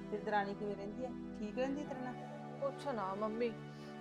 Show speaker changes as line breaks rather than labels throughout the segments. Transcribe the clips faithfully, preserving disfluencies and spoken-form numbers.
ਤੇ ਦਰਾਣੀ ਕਿਵੇਂ ਰਹਿੰਦੀ ਹੈ? ਠੀਕ ਰਹਿੰਦੀ ਤੇਰੇ ਨਾਲ?
ਕੁਛ ਨਾ ਮੰਮੀ,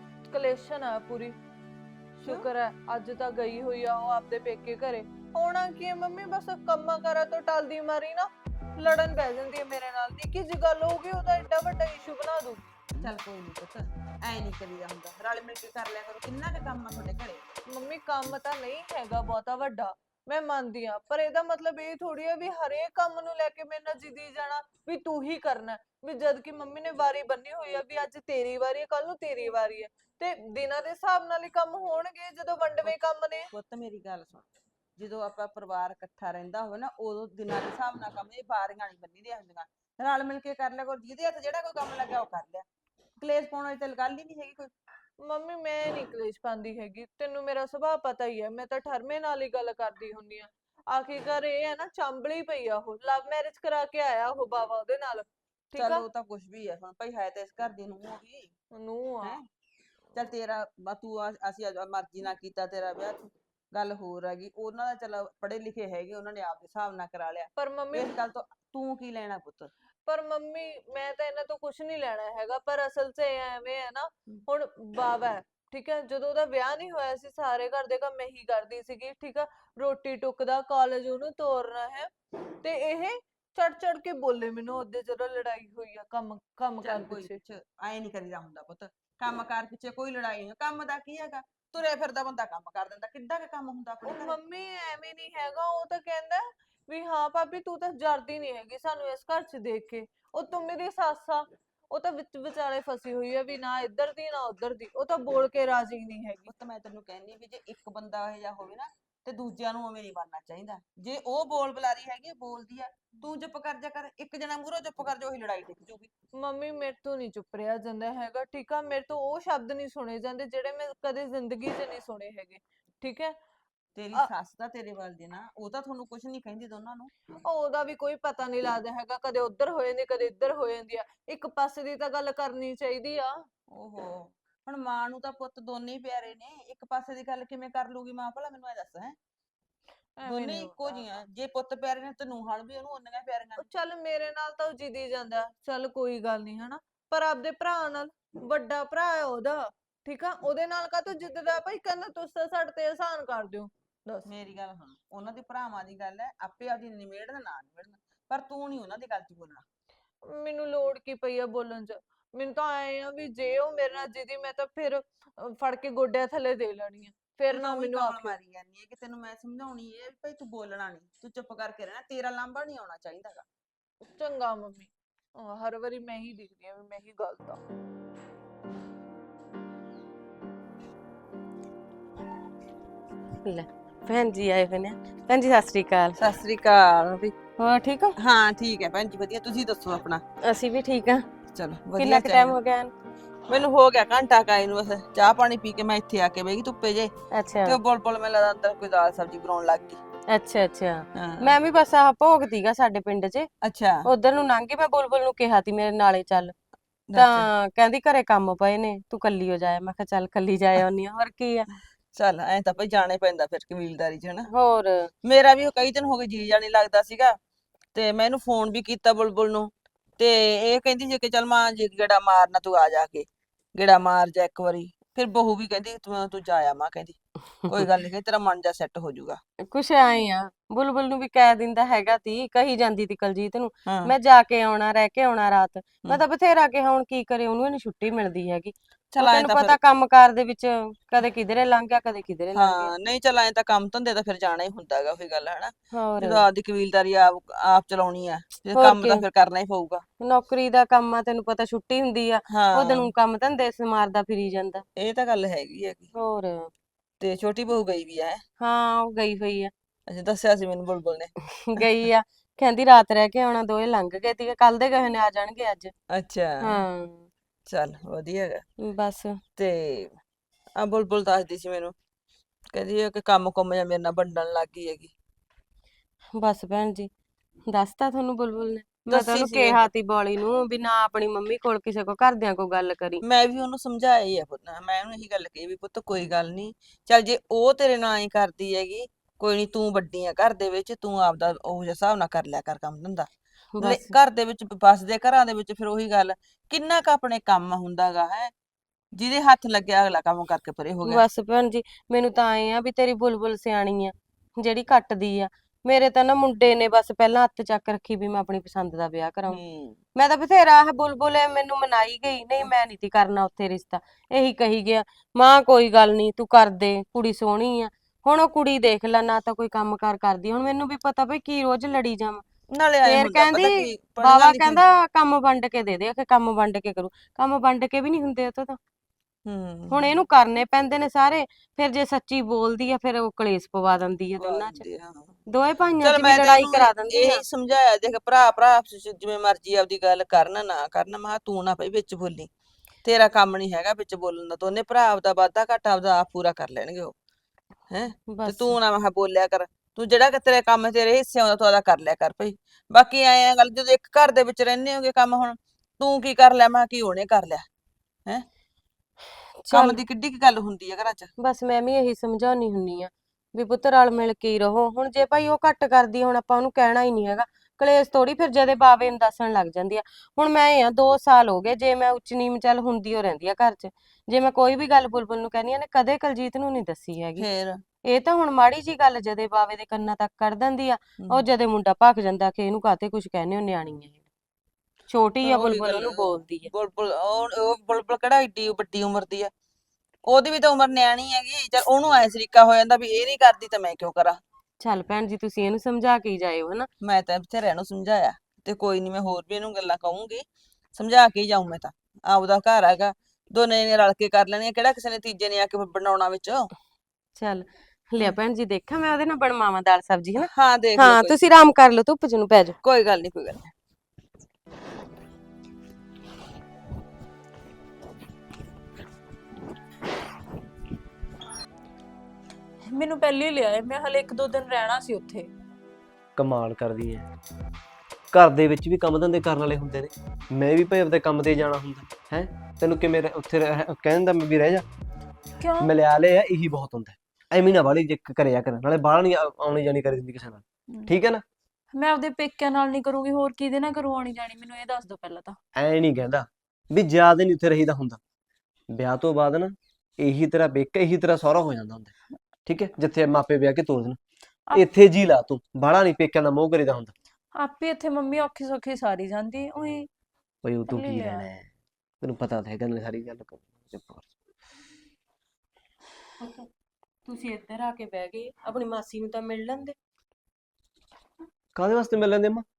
ਕਲੇਸ਼ਨ ਆ ਪੂਰੀ।
ਕਿਉਂ?
ਸ਼ੁਕਰ ਹੈ ਅੱਜ ਤਾਂ ਗਈ ਹੋਈ ਆ ਉਹ ਆਪਦੇ ਪੇਕੇ ਘਰੇ। ਹੋਣਾ ਕੀ ਹੈ ਮੰਮੀ, ਬਸ ਕੰਮਾਂ ਕਾਰਾਂ ਤੋਂ ਟਲਦੀ ਮਾਰੀ ਨਾ ਲੜਨ ਬਹਿ ਜਾਂਦੀ ਹੈ ਮੇਰੇ ਨਾਲ। ਨਿੱਕੀ ਜਿਹੀ ਗੱਲ ਹੋਊਗੀ ਉਹਦਾ ਏਡਾ ਵੱਡਾ ਇਸ਼ੂ ਬਣਾ ਦੂਗੀ।
ਚੱਲ ਕੋਈ ਨਹੀਂ ਪੁੱਤ, ਐ ਨਹੀਂ ਕਰੀਦਾ ਹੁੰਦਾ, ਰਲ ਮਿਲ ਕੇ ਕਰ ਲਿਆ ਕਰੋ। ਕਿੰਨਾ ਕੁ ਕੰਮ ਆ ਤੁਹਾਡੇ ਘਰੇ?
ਮੰਮੀ ਕੰਮ ਤਾਂ ਨਹੀਂ ਹੈਗਾ ਬਹੁਤਾ ਵੱਡਾ, ਮੈਂ ਮੰਨਦੀ ਆ, ਪਰ ਇਹਦਾ ਮਤਲਬ ਇਹ ਥੋੜੀ ਆ ਵੀ ਹਰੇਕ ਕੰਮ ਨੂੰ ਲੈ ਕੇ ਮੇਰੇ ਨਾਲ ਜਿੱਦੀ ਜਾਣਾ ਵੀ ਤੂੰ ਹੀ ਕਰਨਾ ਹੈ। ਵੀ ਜਦ ਕਿ ਮੰਮੀ ਨੇ ਵਾਰੀ ਬੰਨੀ ਹੋਈ ਆ ਵੀ ਅੱਜ ਤੇਰੀ ਵਾਰੀ ਹੈ, ਕੱਲ ਨੂੰ ਤੇਰੀ ਵਾਰੀ ਹੈ, ਤੇ ਦਿਨਾਂ ਦੇ ਹਿਸਾਬ ਨਾਲ ਹੀ ਕੰਮ ਹੋਣਗੇ ਜਦੋਂ ਵੰਡਵੇਂ ਕੰਮ ਨੇ।
ਪੁੱਤ ਮੇਰੀ ਗੱਲ ਸੁਣ, ਜਦੋਂ ਆਪਾਂ ਪਰਿਵਾਰ ਇਕੱਠਾ ਰਹਿੰਦਾ ਹੋਵੇ ਨਾ ਉਦੋਂ ਦਿਨਾਂ ਦੇ ਹਿਸਾਬ ਨਾਲ ਕੰਮ, ਇਹ ਬਾਰੀਆਂ ਨਹੀਂ ਬੰਨੀ ਦੀਆਂ ਹੁੰਦੀਆਂ। ਰਲ ਮਿਲ ਕੇ ਕਰ ਲਿਆ ਕਰੋ, ਜਿਹਦੇ ਹੱਥ ਜਿਹੜਾ ਕੋਈ ਕੰਮ ਲੱਗਿਆ ਉਹ ਕਰ ਲਿਆ। ਕਲੇਸ਼ ਪਾਉਣ ਵਾਲੀ ਤਾਂ ਗੱਲ ਹੀ ਨਹੀਂ ਹੈਗੀ ਕੋਈ।
ਮੰਮੀ ਮੈਂ ਨਹੀਂ ਕਲੇਸ਼ ਪਾਉਂਦੀ ਹੈਗੀ, ਤੈਨੂੰ ਮੇਰਾ ਸੁਭਾਅ ਪਤਾ ਹੀ ਹੈ, ਮੈਂ ਤਾਂ ਠਰਮੇ ਨਾਲ ਹੀ ਗੱਲ ਕਰਦੀ ਹੁੰਨੀ ਆ। ਆਖਿਰਕਾਰ ਇਹ ਹੈ ਨਾ, ਚਾਂਬਲੀ ਪਈ ਆ, ਉਹ ਲਵ ਮੈਰਿਜ ਕਰਾ ਕੇ ਆਇਆ ਉਹ ਬਾਵਾ ਉਹਦੇ ਨਾਲ, ਠੀਕ
ਚੱਲ
ਆ।
ਉਹ ਤਾਂ ਕੁਛ ਵੀ ਹੈ, ਹੁਣ ਭਾਈ ਹੈ ਤਾਂ ਇਸ ਘਰ ਦੀ ਨੂੰ ਵੀ
ਨੂੰ ਆ
ਹੈ। ਚੱਲ ਤੇਰਾ ਬ- ਤੂੰ ਆ- ਅਸੀਂ ਅੱਜ ਮਰਜ਼ੀ ਨਾਲ ਕੀਤਾ ਤੇਰਾ ਵਿਆਹ, ਤੂੰ ਗੱਲ ਹੋਰ ਹੈਗੀ। ਉਹਨਾਂ ਦਾ ਚੱਲ ਪੜ੍ਹੇ ਲਿਖੇ ਹੈਗੇ, ਉਹਨਾਂ ਨੇ ਆਪਦੇ ਹਿਸਾਬ ਨਾਲ ਕਰਾ ਲਿਆ।
ਪਰ ਮੰਮੀ
ਇਸ ਗੱਲ ਤੋਂ ਤੂੰ ਕੀ ਲੈਣਾ ਪੁੱਤ?
ਪਰ ਮੰਮੀ ਮੈਂ ਤਾਂ ਇਹਨਾਂ ਤੋਂ ਕੁਝ ਨਹੀਂ ਲੈਣਾ ਹੈਗਾ, ਪਰ ਅਸਲ 'ਚ ਇਹ ਐਵੇਂ ਹੈ ਨਾ, ਹੁਣ ਬਾਵਾ ਹੈ, ਠੀਕ ਹੈ, ਜਦੋਂ ਉਹਦਾ ਵਿਆਹ ਨਹੀਂ ਹੋਇਆ ਸੀ ਸਾਰੇ ਘਰ ਦੇ ਕੰਮ ਮੈਂ ਹੀ ਕਰਦੀ ਸੀਗੀ, ਠੀਕ ਆ। ਰੋਟੀ ਟੁੱਕਦਾ, ਕਾਲਜ ਉਹਨੂੰ ਤੋਰਨਾ ਹੈ, ਤੇ ਇਹ ਚੜ ਚੜ ਕੇ ਬੋਲੇ ਮੈਨੂੰ ਉਹਦੇ ਜਦੋਂ ਲੜਾਈ ਹੋਈ ਆ ਕੰਮ ਕੰਮ
ਚੱਲ
ਕਰ
ਕੋਈ
ਪਿੱਛੇ।
ਕੁਛ ਐ ਨਹੀਂ ਕਰੀਦਾ ਹੁੰਦਾ ਪੁੱਤ। ਕੰਮ ਕਾਰ ਪਿੱਛੇ ਕੋਈ ਲੜਾਈ ਨਹੀਂ, ਕੰਮ ਦਾ ਕੀ ਹੈਗਾ, ਤੁਰਿਆ ਫਿਰਦਾ ਬੰਦਾ ਕੰਮ ਕਰ ਦਿੰਦਾ। ਕਿੱਡਾ ਕੁ ਕੰਮ ਹੁੰਦਾ ਆਪਣੇ
ਉਹ
ਘਰੇ?
ਮੰਮੀ ਐਵੇਂ ਨਹੀਂ ਹੈਗਾ, ਉਹ ਤਾਂ ਕਹਿੰਦਾ ਵੀ ਹਾਂ ਭਾਬੀ ਤੂੰ ਤਾਂ ਜਰਦੀ ਨਹੀਂ ਹੈਗੀ ਸਾਨੂੰ ਇਸ ਘਰ 'ਚ ਦੇਖ ਕੇ। ਉਹ ਤੂੰ ਮੇਰੀ ਸੱਸ ਆ, ਉਹ ਤਾਂ ਵਿੱਚ ਵਿਚਾਲੇ ਫਸੀ ਹੋਈ ਆ ਵੀ ਨਾ ਇੱਧਰ ਦੀ ਨਾ ਉੱਧਰ ਦੀ, ਉਹ ਤਾਂ ਬੋਲ ਕੇ ਰਾਜੀ ਨਹੀਂ ਹੈਗੀ।
ਪੁੱਤ ਮੈਂ ਤੈਨੂੰ ਕਹਿੰਦੀ ਵੀ ਜੇ ਇੱਕ ਬੰਦਾ ਇਹ ਜਿਹਾ ਹੋਵੇ ਨਾ ਤੇ ਦੂਜਿਆਂ ਨੂੰ ਉਵੇਂ ਨਹੀਂ ਬਣਨਾ ਚਾਹੀਦਾ। ਜੇ ਉਹ ਬੋਲ ਬੁਲਾਰੀ ਹੈਗੀ, ਬੋਲਦੀ ਆ, ਤੂੰ ਚੁੱਪ ਕਰ ਜਾ ਕਰ। ਇੱਕ ਜਣਾ ਮੂਹਰੋਂ ਚੁੱਪ ਕਰ ਜਾ, ਉਹੀ ਲੜਾਈ ਟਿਕ ਜੂਗੀ।
ਮੰਮੀ ਮੇਰੇ ਤੋਂ ਨਹੀਂ ਚੁੱਪ ਰਿਹਾ ਜਾਂਦਾ ਹੈਗਾ, ਠੀਕ ਆ। ਮੇਰੇ ਤੋਂ ਉਹ ਸ਼ਬਦ ਨਹੀਂ ਸੁਣੇ ਜਾਂਦੇ ਜਿਹੜੇ ਮੈਂ ਕਦੇ ਜ਼ਿੰਦਗੀ 'ਚ ਨਹੀਂ ਸੁਣੇ ਹੈਗੇ, ਠੀਕ ਹੈ।
ਤੇਰੀ
ਅ-
ਸੱਸ ਤਾਂ ਤੇਰੇ ਵੱਲ ਦੀ ਨਾ, ਉਹ ਤਾਂ ਤੁਹਾਨੂੰ ਕੁਝ ਨਹੀਂ ਕਹਿੰਦੀ ਦੋਨਾਂ ਨੂੰ।
ਉਹਦਾ ਵੀ ਕੋਈ ਪਤਾ ਨਹੀਂ ਲੱਗਦਾ ਹੈਗਾ, ਕਦੇ ਉੱਧਰ ਹੋ ਜਾਂਦੀ ਕਦੇ ਇੱਧਰ ਹੋ ਜਾਂਦੀ ਆ। ਇੱਕ ਪਾਸੇ ਦੀ ਤਾਂ ਗੱਲ ਕਰਨੀ ਚਾਹੀਦੀ ਆ।
ਓਹੋ, ਹੁਣ ਮਾਂ ਨੂੰ ਤਾਂ ਪੁੱਤ ਦੋਨੇ ਹੀ ਪਿਆਰੇ ਨੇ, ਇੱਕ ਪਾਸੇ ਦੀ ਗੱਲ ਕਿਵੇਂ ਕਰ ਲੂਗੀ ਮਾਂ? ਭਲਾ ਮੈਨੂੰ ਇਹ ਦੱਸ ਹੈ।
ਐਵੇਂ
ਦੋਨੇ
ਨਹੀਂ
ਇੱਕੋ
ਹੁੰਦਾ
ਜਿਹੀਆਂ,
ਹੈਗਾ।
ਜੇ ਪੁੱਤ ਪਿਆਰੇ ਨੇ ਤੇ ਨੂੰਹਾਂ ਵੀ ਉਹਨੂੰ ਓਨੀਆਂ ਪਿਆਰੀਆਂ
ਉਹ
ਨੇ।
ਚੱਲ ਮੇਰੇ ਨਾਲ ਤਾਂ ਉਹ ਜਿੱਦੀ ਜਾਂਦਾ, ਚੱਲ ਕੋਈ ਗੱਲ ਨਹੀਂ ਹਨਾ, ਪਰ ਆਪਦੇ ਭਰਾ ਨਾਲ, ਵੱਡਾ ਭਰਾ ਹੈ ਉਹਦਾ, ਠੀਕ ਆ, ਉਹਦੇ ਨਾਲ ਕਾਹਤੋਂ ਜਿੱਦਦਾ? ਭਾਈ ਕਹਿੰਦਾ ਤੁਸੀਂ ਤਾਂ ਸਾਡੇ ਤੇ ਅਹਿਸਾਨ ਕਰ ਦਿਓ, ਦੱਸ।
ਮੇਰੀ ਗੱਲ ਸੁਣ, ਉਹਨਾਂ ਦੇ ਭਰਾਵਾਂ ਦੀ ਗੱਲ ਹੈ, ਆਪੇ ਆਪਦੀ ਨਿਮੇੜਨ ਨਾ ਨਿਮੇੜਨ, ਪਰ ਤੂੰ ਨਹੀਂ ਉਹਨਾਂ ਦੀ ਗੱਲ 'ਚ ਬੋਲਣਾ।
ਮੈਨੂੰ ਲੋੜ ਕੀ ਪਈ ਆ ਬੋਲਣ 'ਚ? ਮੈਨੂੰ ਤਾਂ ਐ ਆ ਵੀ ਜੇ ਉਹ ਮੇਰੇ ਨਾਲ ਜਿੱਦੀ ਮੈਂ ਤਾਂ ਫਿਰ ਅਹ, ਫੜ ਕੇ ਗੋਡਿਆਂ ਥੱਲੇ ਦੇ ਲੈਣੀ ਆ, ਫਿਰ
ਤੂੰ ਤਾਂ
ਨਾ
ਉਹੀ
ਮੈਨੂੰ
ਕਮਲ
ਆਖਿਓ।
ਮਾਰੀ ਜਾਂਦੀ ਹੈ ਕਿ ਤੈਨੂੰ ਮੈਂ ਸਮਝਾਉਣੀ ਹੈ ਵੀ ਭਾਈ ਤੂੰ ਬੋਲਣਾ ਨਹੀਂ, ਤੂੰ ਚੁੱਪ ਕਰਕੇ ਰਹਿਣਾ, ਤੇਰਾ ਲਾਂਭਾ ਨਹੀਂ ਆਉਣਾ ਚਾਹੀਦਾ ਗਾ।
ਚੰਗਾ ਮੰਮੀ, ਅਹ, ਹਰ ਵਾਰੀ ਮੈਂ ਹੀ ਦਿਖਦੀ ਆ ਵੀ ਮੈਂ ਹੀ ਗਲਤ ਆ।
ਲੈ ਭੈਣ ਜੀ ਆਏ ਹੋਏ ਨੇ। ਭੈਣ ਜੀ ਸਤਿ ਸ੍ਰੀ ਅਕਾਲ।
ਸਤਿ ਸ੍ਰੀ ਅਕਾਲ ਵੀ।
ਹੋਰ ਠੀਕ ਹੋ?
ਹਾਂ ਠੀਕ ਹੈ ਭੈਣ ਜੀ, ਵਧੀਆ। ਤੁਸੀਂ ਦੱਸੋ ਆਪਣਾ?
ਅਸੀਂ ਵੀ ਠੀਕ ਆ।
ਚਲੋ
ਕਿੰਨਾ
ਵਧੀਆ
ਕੁ ਟਾਈਮ
ਚਾਹੀਦਾ।
ਹੋ ਗਿਆ?
ਮੈਨੂੰ ਹੋ ਗਿਆ ਘੰਟਾ ਕਾਏ ਨੂੰ, ਬਸ ਚਾਹ ਪਾਣੀ ਪੀ ਕੇ ਮੈਂ ਇੱਥੇ ਆ ਕੇ ਬਹਿ ਗਈ ਧੁੱਪੇ ਜੇ।
ਅੱਛਾ
ਤੇ ਉਹ ਬੁਲ ਬੁਲ ਮੈਨੂੰ ਲੱਗਦਾ ਅੰਦਰ ਕੋਈ ਦਾਲ ਸਬਜ਼ੀ ਬਣਾਉਣ ਲੱਗ ਗਈ।
ਅੱਛਾ ਅੱਛਾ।
ਹਾਂ।
ਮੈਂ ਵੀ ਬਸ ਆਹ ਭੋਗ ਤੀਗਾ ਸਾਡੇ ਪਿੰਡ 'ਚ,
ਅੱਛਾ।
ਉਧਰ ਨੂੰ ਲੰਘ ਗਈ। ਮੈਂ ਬੁਲਬੁਲ ਨੂੰ ਕਿਹਾ ਤੀ ਮੇਰੇ ਨਾਲੇ ਚੱਲ,
ਦੱਸ।
ਤਾਂ ਕਹਿੰਦੀ ਘਰੇ ਕੰਮ ਪਏ ਨੇ ਤੂੰ ਕੱਲੀ ਹੋ ਜਾਇਆ। ਮੈਂ ਕਿਹਾ ਚੱਲ ਕੱਲੀ ਜਾਇਆ ਆਉਂਦੀ ਆ, ਹੋਰ ਕੀ ਆ।
ਚੱਲ ਐ ਤਾਂ ਭਾਈ ਜਾਣਾ ਹੀ ਪੈਂਦਾ ਫਿਰ ਕਬੀਲਦਾਰੀ 'ਚ, ਹਨਾ।
ਹੋਰ।
ਮੇਰਾ ਵੀ ਉਹ ਕਈ ਦਿਨ ਹੋ ਗਏ ਜੀ ਜਾਣੀ ਲੱਗਦਾ ਸੀਗਾ, ਤੇ ਮੈਂ ਇਹਨੂੰ ਫੋਨ ਵੀ ਕੀਤਾ ਬੁਲਬੁਲ ਨੂੰ, ਤੇ ਇਹ ਕਹਿੰਦੀ ਸੀ ਕਿ ਚੱਲ ਮਾਂ ਜੀ ਗੇੜਾ ਮਾਰਨਾ, ਤੂੰ ਆ ਜਾ ਕੇ ਗੇੜਾ ਮਾਰ ਜਾ ਇੱਕ ਵਾਰੀ। ਫਿਰ ਬਹੂ ਵੀ ਕਹਿੰਦੀ ਤੂੰ ਤੂੰ ਜਾਇਆ ਮਾਂ, ਕਹਿੰਦੀ ਕੋਈ ਗੱਲ ਨਹੀਂ, ਤੇਰਾ ਮਨ ਜਾ ਸੈੱਟ ਹੋ ਜਾਊਗਾ।
ਕੁਛ ਆਏ ਆ, ਬੁਲਬੁਲ ਨੂੰ ਵੀ ਕਹਿ ਦਿੰਦਾ ਹੈਗਾ ਤੀ, ਕਹੀ ਜਾਂਦੀ ਤੀ ਕਲਜੀਤ ਨੂੰ
ਹਾਂ।
ਮੈਂ ਜਾ ਕੇ ਆਉਣਾ, ਰਹਿ ਕੇ ਆਉਣਾ ਰਾਤ। ਮੈਂ
ਹਮ।
ਤਾਂ ਬਥੇਰਾ ਕਿਹਾ, ਹੁਣ ਕੀ ਕਰੇ, ਉਹਨੂੰ ਨੀ ਛੁੱਟੀ ਮਿਲਦੀ ਹੈਗੀ।
ਚੱਲ
ਉਹ
ਐਂ
ਤੈਨੂੰ
ਤਾਂ ਫਿਰ
ਪਤਾ ਕੰਮਕਾਰ ਦੇ ਵਿੱਚ ਕਦੇ ਕਿਧਰੇ ਲੰਘ ਗਿਆ ਕਦੇ ਕਿਧਰੇ ਲੰਘ ਗਿਆ।
ਹਾਂ, ਨਹੀਂ ਚੱਲ ਐਂ ਤਾਂ ਕੰਮ ਧੰਦੇ ਤਾਂ ਫਿਰ ਜਾਣਾ ਹੀ ਹੁੰਦਾ ਗਾ, ਉਹੀ ਗੱਲ ਹੈ ਨਾ।
ਹੋਰ।
ਜਦੋਂ ਆਪਦੀ ਕਬੀਲਦਾਰੀ ਆਪ ਆਪ ਚਲਾਉਣੀ ਆ, ਤੇ
ਹੋਰ
ਕੰਮ
ਕੀ,
ਤਾਂ ਫਿਰ ਕਰਨਾ ਹੀ ਪਊਗਾ।
ਨੌਕਰੀ ਦਾ ਕੰਮ ਆ, ਤੈਨੂੰ ਪਤਾ ਛੁੱਟੀ ਹੁੰਦੀ ਆ, ਉਹਦੇ
ਹਾਂ,
ਨੂੰ ਕੰਮ ਧੰਦੇ ਮਾਰਦਾ ਫਿਰੀ ਜਾਂਦਾ।
ਇਹ ਤਾਂ ਗੱਲ ਹੈਗੀ ਹੈਗੀ।
ਹੋਰ।
ਤੇ ਛੋਟੀ ਬਹੂ ਗਈ ਵੀ ਹੈ?
ਹਾਂ ਉਹ ਗਈ ਹੋਈ ਆ।
ਅੱਛਾ, ਦੱਸਿਆ ਸੀ ਮੈਨੂੰ ਬੁਲਬੁਲ ਨੇ।
ਗਈ ਆ, ਕਹਿੰਦੀ ਰਾਤ ਰਹਿ ਕੇ ਆਉਣਾ, ਦੋਏ ਲੰਘ ਗਏ ਤੀ, ਕੱਲ ਦੇ ਗਏ ਨੇ, ਆ ਜਾਣਗੇ ਅੱਜ।
ਅੱਛਾ।
ਹਾਂ।
ਚੱਲ ਵਧੀਆ ਹੈਗਾ।
ਬਸ।
ਤੇ ਆ ਬੁਲਬੁਲ ਦੱਸਦੀ ਸੀ ਮੈਨੂੰ, ਕਹਿੰਦੀ ਹੈ ਕਿ ਕੰਮ ਕੁੰਮ ਜਾਂ ਮੇਰੇ ਨਾਲ ਵੰਡਣ ਲੱਗ ਗਈ ਹੈਗੀ।
ਬਸ ਭੈਣ ਜੀ, ਦੱਸਤਾ ਤੁਹਾਨੂੰ ਬੁਲਬੁਲ ਨੇ? ਮੈਂ ਤਾਂ
ਦੱਸੀ
ਉਹਨੂੰ
ਸੀ
ਕਿਹਾ ਤੀ ਬੋਲੀ ਨੂੰ ਵੀ ਨਾ ਆਪਣੀ ਮੰਮੀ ਕੋਲ ਕਿਸੇ ਕੋ ਘਰਦਿਆਂ ਕੋ ਗੱਲ ਕਰੀ।
ਮੈਂ ਵੀ ਉਹਨੂੰ ਸਮਝਾਇਆ ਹੀ ਆ ਪੁੱਤ, ਮੈਂ ਉਹਨੂੰ ਇਹੀ ਗੱਲ ਕਹੀ ਵੀ ਪੁੱਤ ਕੋਈ ਗੱਲ ਨਹੀਂ, ਚੱਲ ਜੇ ਉਹ ਤੇਰੇ ਨਾਲ ਹੀ ਕਰਦੀ ਹੈਗੀ, ਕੋਈ ਨਹੀਂ, ਤੂੰ ਵੱਡੀ ਆ ਘਰ ਦੇ ਵਿੱਚ, ਤੂੰ ਆਪਦਾ ਉਹ ਜਿਹਾ ਹਿਸਾਬ ਨਾਲ ਕਰ ਲਿਆ ਕਰ ਕੰਮ ਧੰਦਾ। ਲੈ,
ਬਸ
ਘਰ ਦੇ ਵਿੱਚ ਵੱਸਦੇ ਘਰਾਂ ਦੇ ਵਿੱਚ ਫਿਰ ਉਹੀ ਗੱਲ ਕਿੰਨਾ ਕੁ ਆਪਣੇ ਕੰਮ ਹੁੰਦਾਗਾ ਹੈ, ਜਿਹਦੇ ਹੱਥ ਲੱਗਿਆ ਅਗਲਾ ਕੰਮ ਕਰਕੇ ਪਰੇ ਹੋ ਗਿਆ।
ਬਸ ਭੈਣ ਜੀ, ਮੈਨੂੰ ਤਾਂ ਐ ਆ ਵੀ ਤੇਰੀ ਬੁਲਬੁਲ ਸਿਆਣੀ ਆ ਜਿਹੜੀ ਕੱਟਦੀ ਆ। ਮੇਰੇ ਤਾਂ ਨਾ ਮੁੰਡੇ ਨੇ ਬਸ ਪਹਿਲਾਂ ਹੱਥ ਚੱਕ ਰੱਖੀ ਵੀ ਮੈਂ ਆਪਣੀ ਪਸੰਦ ਦਾ ਵਿਆਹ ਕਰਾਉਂ।
ਹੂੰ
ਮੈਂ ਤਾਂ ਬਥੇਰਾ ਆਹ ਬੁਲਬੁਲ ਐ ਮੈਨੂੰ ਮਨਾਈ ਗਈ, ਨਹੀਂ ਮੈਂ ਨਹੀਂ ਤੀ ਕਰਨਾ ਉੱਥੇ ਰਿਸ਼ਤਾ। ਇਹੀ ਕਹੀ ਗਿਆ, ਮਾਂ ਕੋਈ ਗੱਲ ਨਹੀਂ ਤੂੰ ਕਰ ਦੇ, ਕੁੜੀ ਸੋਹਣੀ ਆ। ਹੁਣ ਉਹ ਕੁੜੀ ਦੇਖ ਲੈ, ਨਾ ਤਾਂ ਕੋਈ ਕੰਮ ਕਾਰ ਕਰਦੀ। ਹੁਣ ਮੈਨੂੰ ਵੀ ਪਤਾ ਬਈ ਕੀ ਰੋਜ਼ ਲੜੀ ਜਾਵਾਂ।
ਨਾਲੇ ਐ
ਫੇਰ
ਹੁੰਦਾ ਪਤਾ
ਕਹਿੰਦੀ
ਕੀ ਪੜੀਆਂ
ਬਾਵਾ
ਲਿਖੀਆਂ।
ਕਹਿੰਦਾ ਕੰਮ ਵੰਡ ਕੇ ਦੇ ਦੇ, ਕਿ ਕੰਮ ਵੰਡ ਕੇ ਕਰੂ। ਕੰਮ ਵੰਡ ਕੇ ਵੀ ਨਹੀਂ ਹੁੰਦੇ ਉਹ ਤੋਂ ਤਾਂ।
ਹੂੰ
ਹੁਣ ਇਹਨੂੰ ਕਰਨੇ ਪੈਂਦੇ ਨੇ ਸਾਰੇ। ਫਿਰ ਜੇ ਸੱਚੀ ਬੋਲਦੀ ਆ ਫਿਰ ਉਹ ਕਲੇਸ਼ ਪਵਾ ਦਿੰਦੀ ਆ ਦੋਨਾਂ 'ਚ।
ਵਾਦੀ ਹਾਂ।
ਦੋਏ ਭਾਈਆਂ
ਚਲ
'ਚ ਵੀ
ਮੈਂ ਤਾਂ
ਲੜਾਈ
ਇਹਨੂੰ
ਕਰਾ ਦਿੰਦੀ ਆ।
ਇਹੀ ਸਮਝਾਇਆ, ਦੇਖ ਭਰਾ ਭਰਾ ਆਪਸ ਵਿੱਚ ਜਿਵੇਂ ਮਰਜ਼ੀ ਆਪਦੀ ਗੱਲ ਕਰਨ ਨਾ ਕਰਨ, ਮੈਂ ਕਿਹਾ ਤੂੰ ਨਾ ਪਈ ਵਿੱਚ ਬੋਲੀ, ਤੇਰਾ ਕੰਮ ਨਹੀਂ ਹੈਗਾ ਵਿੱਚ ਬੋਲਣ ਦਾ। ਦੋਨੇ ਭਰਾ ਆਪਦਾ ਵਾਧਾ ਘਾਟਾ ਆਪਦਾ ਆਪ ਪੂਰਾ ਕਰ ਲੈਣਗੇ ਉਹ, ਹੈ ਤੇ
ਬਸ
ਤੂੰ ਨਾ ਮੈਂ ਕਿਹਾ ਬੋਲਿਆ ਕਰ। ਤੂੰ ਜਿਹੜਾ ਕਿ ਤੇਰੇ ਕੰਮ ਤੇਰੇ ਹਿੱਸੇ ਆਉਂਦਾ ਤੂੰ ਆਦਾ ਕਰ ਲਿਆ ਕਰ ਭਈ। ਬਾਕੀ ਐ ਆ ਗੱਲ, ਜਦੋਂ ਇੱਕ ਘਰ ਦੇ ਵਿੱਚ ਰਹਿੰਦੇ ਹੋਗੇ ਕੰਮ, ਹੁਣ ਤੂੰ ਕੀ ਕਰ ਲਿਆ, ਮੈਂ ਕਿਹਾ ਕੀ ਉਹਨੇ ਕਰ ਲਿਆ ਹੈ। ਕੰਮ
ਚੱਲ
ਦੀ ਕਿੱਡੀ ਕੀ ਗੱਲ ਹੁੰਦੀ ਆ ਘਰਾਂ 'ਚ।
ਬਸ ਮੈਂ ਵੀ ਇਹੀ ਸਮਝਾਉਣੀ ਹੁੰਨੀ ਆ ਵੀ ਪੁੱਤ ਰਲ ਮਿਲ ਕੇ ਹੀ ਰਹੋ। ਹੁਣ ਜੇ ਭਾਈ ਉਹ ਘੱਟ ਕਰਦੀ ਆ, ਹੁਣ ਆਪਾਂ ਉਹਨੂੰ ਕਹਿਣਾ ਹੀ ਨਹੀਂ ਹੈਗਾ। ਕਲੇਸ਼ ਥੋੜੀ ਫਿਰ ਜਦੇ ਬਾਵੇ ਨੂੰ ਦੱਸਣ ਲੱਗ ਜਾਂਦੀ ਆ। ਹੁਣ ਮੈਂ ਆ ਦੋ ਸਾਲ ਹੋ ਗਏ, ਜੇ ਮੈਂ ਉੱਚ ਨੀਵੀਂ ਚੱਲ ਹੁੰਦੀ ਓ ਰਹਿੰਦੀ ਆ ਘਰ 'ਚ। ਜੇ ਮੈਂ ਕੋਈ ਵੀ ਗੱਲ ਬੁਲਬੁਲ ਨੂੰ ਕਹਿੰਦੀ ਆ ਨੇ ਕਦੇ ਕਲਜੀਤ ਨੂੰ ਨਹੀਂ ਦੱਸੀ ਹੈਗੀ।
ਫੇਰ
ਇਹ ਤਾਂ ਹੁਣ ਮਾੜੀ ਜੀ ਗੱਲ ਜਦੇ ਬਾਵੇ ਦੇ ਕੰਨਾਂ ਤੱਕ ਕਰ ਦਿੰਦੀ ਆ। ਉਹ
ਹਮ,
ਜਦੇ ਮੁੰਡਾ ਭੱਕ ਜਾਂਦਾ ਕਿ ਇਹਨੂੰ ਕਾਹਤੇ ਕੁਝ ਕਹਿੰਦੇ ਹੋ, ਨਿਆਣੀ ਆ ਇਹ। ਛੋਟੀ
ਤਾਂ
ਆ
ਉਹੀ
ਬੁਲਬੁਲ,
ਗੱਲ
ਉਹਨੂੰ ਬੋਲਦੀ ਆ।
ਬੁਲਬੁਲ ਉਹ ਉਹ ਬੁਲਬੁਲ ਕਿਹੜਾ ਏਡੀ ਵੱਡੀ ਉਮਰ ਦੀ ਆ, ਉਹਦੀ ਵੀ ਤਾਂ ਉਮਰ ਨਿਆਣੀ ਹੈਗੀ। ਚਲ ਉਹਨੂੰ ਐ ਸਰੀਕਾ ਹੋ ਜਾਂਦਾ ਵੀ ਇਹ ਨਹੀਂ ਕਰਦੀ ਤਾਂ ਮੈਂ ਕਿਉਂ ਕਰਾਂ।
ਚੱਲ ਭੈਣ ਜੀ ਤੁਸੀਂ ਇਹਨੂੰ ਸਮਝਾ ਕੇ ਹੀ ਜਾਇਓ ਹਨਾ।
ਮੈਂ ਤਾਂ ਬਥੇਰਿਆਂ ਨੂੰ ਸਮਝਾਇਆ, ਤੇ ਕੋਈ ਨਹੀਂ ਮੈਂ ਹੋਰ ਵੀ ਇਹਨੂੰ ਗੱਲਾਂ ਕਹੂੰਗੀ, ਸਮਝਾ ਕੇ ਹੀ ਜਾਊਂ। ਮੈਂ ਤਾਂ ਆਪਦਾ ਘਰ ਹੈਗਾ, ਦੋਨੇ ਨੇ ਰਲ ਕੇ ਕਰ ਲੈਣੀ, ਕਿਹੜਾ ਕਿਸੇ ਨੇ ਤੀਜੇ ਨੇ ਆ ਕੇ ਬਣਾਉਣਾ ਵਿੱਚ।
ਚੱਲ ਲਿਆ
ਹਮ,
ਭੈਣ ਜੀ, ਦੇਖਾਂ ਮੈਂ ਉਹਦੇ ਨਾਲ ਬਣਵਾਵਾਂ ਦਾਲ ਸਬਜ਼ੀ ਹਨਾ।
ਹਾਂ ਦੇਖ ਲਓ,
ਹਾਂ
ਕੋਈ
ਤੁਸੀਂ ਆਰਾਮ ਕਰ ਲਓ, ਧੁੱਪ ਚ ਨੂੰ ਪੈ ਜਾਓ।
ਕੋਈ ਗੱਲ ਨਹੀਂ, ਕੋਈ ਗੱਲ ਨੀ।
ਮੈਨੂੰ ਪਹਿਲੇ ਹੀ ਲਿਆਏ, ਮੈਂ ਹਲੇ ਇੱਕ ਦੋ ਦਿਨ ਰਹਿਣਾ ਸੀ ਉੱਥੇ।
ਕਮਾਲ ਕਰਦੀ ਐ। ਘਰ ਦੇ ਵਿੱਚ ਵੀ ਕੰਮ ਧੰਦੇ ਕਰਨ ਵਾਲੇ ਹੁੰਦੇ ਨੇ, ਮੈਂ ਵੀ ਭਾਈ ਆਪਦੇ ਕੰਮ ਤੇ ਜਾਣਾ ਹੁੰਦਾ ਹੈ। ਤੈਨੂੰ ਕਿਵੇਂ ਰਹਿ- ਉੱਥੇ ਰਹਿ- ਕਹਿੰਦਾ ਮੈਂ ਵੀ ਰਹਿ ਜਾ,
ਕਿਉਂ?
ਮਿਲਿਆ ਲਿਆ ਇਹੀ ਬਹੁਤ ਹੁੰਦਾ। ਐਵੇਂ ਨਾ ਵਾਲੀ ਜੇ ਕਰਿਆ ਕਰ, ਨਾਲੇ ਬਾਹਰ ਨਹੀਂ ਆਉਣੀ ਜਾਣੀ ਕਰੀ ਦਿੰਦੀ ਕਿਸੇ ਨਾਲ, ਠੀਕ ਹੈ ਨਾ।
ਮੈਂ ਆਪਦੇ ਪੇਕਿਆਂ ਨਾਲ ਨਹੀਂ ਕਰੂੰਗੀ, ਹੋਰ ਕਿਹਦੇ ਨਾਲ ਕਰਵਾਉਣੀ ਜਾਣੀ, ਮੈਨੂੰ ਇਹ ਦੱਸ ਦਿਓ ਪਹਿਲਾਂ ਤਾਂ।
ਐ ਨਹੀਂ ਕਹਿੰਦਾ ਵੀ ਜ਼ਿਆਦਾ ਨਹੀਂ ਉੱਥੇ ਰਹੀਦਾ ਹੁੰਦਾ। ਵਿਆਹ ਤੋਂ ਬਾਅਦ ਨਾ ਇਹੀ ਤੇਰਾ ਪੇਕਾ ਇਹੀ ਤੇਰਾ ਸਹੁਰਾ ਹੋ ਜਾਂਦਾ ਹੁੰਦਾ, ਠੀਕ ਹੈ। ਜਿੱਥੇ ਮਾਪੇ ਵਿਆਹ ਕੇ ਤੋਰ ਦੇਣ,
ਆਪ-
ਇੱਥੇ ਜੀ ਲਾ ਤੂੰ, ਬਾਹਲਾ ਨਹੀਂ ਪੇਕਿਆਂ ਦਾ ਮੋਹ ਕਰੀਦਾ ਹੁੰਦਾ।
ਆਪੇ ਇੱਥੇ ਮੰਮੀ ਔਖੀ ਸੌਖੀ ਸਾਰੀ ਜਾਂਦੀ ਉਹੀ
ਬਈ ਉਹ ਤੂੰ
ਪਹਿਲੇ
ਕੀ
ਲਿਆ।
ਲੈਣਾ ਹੈ, ਤੈਨੂੰ ਪਤਾ ਤਾਂ ਹੈਗਾ ਨਾ ਸਾਰੀ ਗੱਲ। ਚੁੱਪ ਕਰ।
ਤੁਸੀਂ ਇੱਧਰ ਆ ਕੇ ਬਹਿ ਗਏ, ਆਪਣੀ ਮਾਸੀ ਨੂੰ ਤਾਂ ਮਿਲ ਲੈਂਦੇ।
ਕਾਹਦੇ ਵਾਸਤੇ ਮਿਲ ਲੈਂਦੇ ਮਾਂ,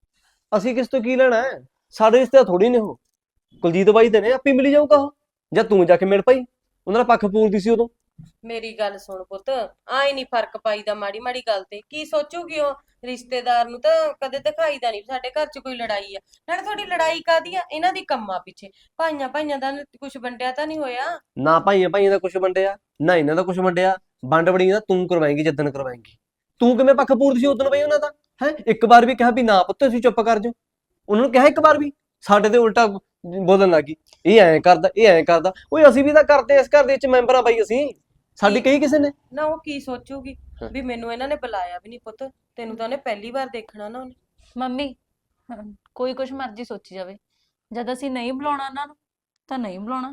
ਅਸੀਂ ਕਿਸ ਤੋਂ ਕੀ ਲੈਣਾ ਹੈ, ਸਾਡੇ ਰਿਸ਼ਤੇ ਥੋੜੀ ਨੇ ਉਹ। ਕੁਲਜੀਤ ਬਾਈ ਦੇ ਨੇ, ਆਪੇ ਮਿਲੀ ਜਾਊਗਾ ਉਹ, ਜਾਂ ਤੂੰ ਜਾ ਕੇ ਮਿਲ ਪਈ, ਉਹਨਾਂ ਦਾ ਪੱਖ ਪੂਰਦੀ ਸੀ ਉਦੋਂ।
ਮੇਰੀ ਗੱਲ ਸੁਣ ਪੁੱਤ, ਆਈ ਨਹੀਂ ਫਰਕ ਪਾਈਦਾ ਮਾੜੀ ਮਾੜੀ ਗੱਲ ਤੇ। ਕੀ ਸੋਚੂਗੀ ਉਹ, ਰਿਸ਼ਤੇਦਾਰ ਨੂੰ ਤਾਂ ਕਦੇ ਦਿਖਾਈਦਾ ਨਹੀਂ ਸਾਡੇ ਘਰ 'ਚ ਕੋਈ ਲੜਾਈ ਆ। ਨਾਲੇ ਤੁਹਾਡੀ ਲੜਾਈ ਕਾਦੀ ਆ, ਇਹਨਾਂ ਦੀ ਕੰਮਾਂ ਪਿੱਛੇ। ਭਾਈਆਂ ਭਾਈਆਂ ਦਾ ਕੁਝ ਵੰਡਿਆ ਤਾਂ ਨਹੀਂ ਹੋਇਆ।
ਨਾ ਭਾਈਆਂ ਭਾਈਆਂ ਦਾ ਕੁਛ ਵੰਡਿਆ, ਨਾ ਇਹਨਾਂ ਦਾ ਕੁਛ ਵੰਡਿਆ। ਵੰਡ ਵੜੀ ਤਾਂ ਤੂੰ ਕਰਵਾਏਂਗੀ ਜਿੱਦਣ ਕਰਵਾਏਂਗੀ। ਤੂੰ ਕਿਵੇਂ ਪੱਖ ਪੂਰਦੀ ਸੀ ਉਦੋਂ ਬਈ ਉਹਨਾਂ ਦਾ ਹੈ। ਇੱਕ ਵਾਰ ਵੀ ਕਿਹਾ ਵੀ ਨਾ ਪੁੱਤ ਤੁਸੀਂ ਚੁੱਪ ਕਰ ਜਾਓ, ਉਹਨਾਂ ਨੂੰ ਕਿਹਾ ਇੱਕ ਵਾਰ ਵੀ, ਸਾਡੇ ਤੇ ਉਲਟਾ ਬੋਲਣ ਲੱਗੀ, ਇਹ ਐਂ ਕਰਦਾ ਇਹ ਐਂ ਕਰਦਾ। ਓਏ ਅਸੀਂ ਵੀ ਤਾਂ ਕਰਦੇ ਇਸ ਘਰ ਦੇ ਵਿੱਚ ਮੈਂਬਰ ਆ ਬਾਈ, ਅਸੀਂ ਸਾਡੀ ਕਹੀ ਕਿਸੇ ਨੇ।
ਨਾ ਉਹ ਕੀ ਸੋਚੂਗੀ ਵੀ ਮੈਨੂੰ ਇਹਨਾਂ ਨੇ ਬੁਲਾਇਆ ਵੀ ਨਹੀਂ। ਪੁੱਤ ਤੈਨੂੰ ਤਾਂ ਉਹਨੇ ਪਹਿਲੀ ਵਾਰ ਦੇਖਣਾ ਨਾ ਉਹਨੇ।
ਮੰਮੀ ਹਮ, ਕੋਈ ਕੁਛ ਮਰਜ਼ੀ ਸੋਚੀ ਜਾਵੇ, ਜਦ ਅਸੀਂ ਨਹੀਂ ਬੁਲਾਉਣਾ ਉਹਨਾਂ ਨੂੰ ਤਾਂ ਨਹੀਂ ਬੁਲਾਉਣਾ।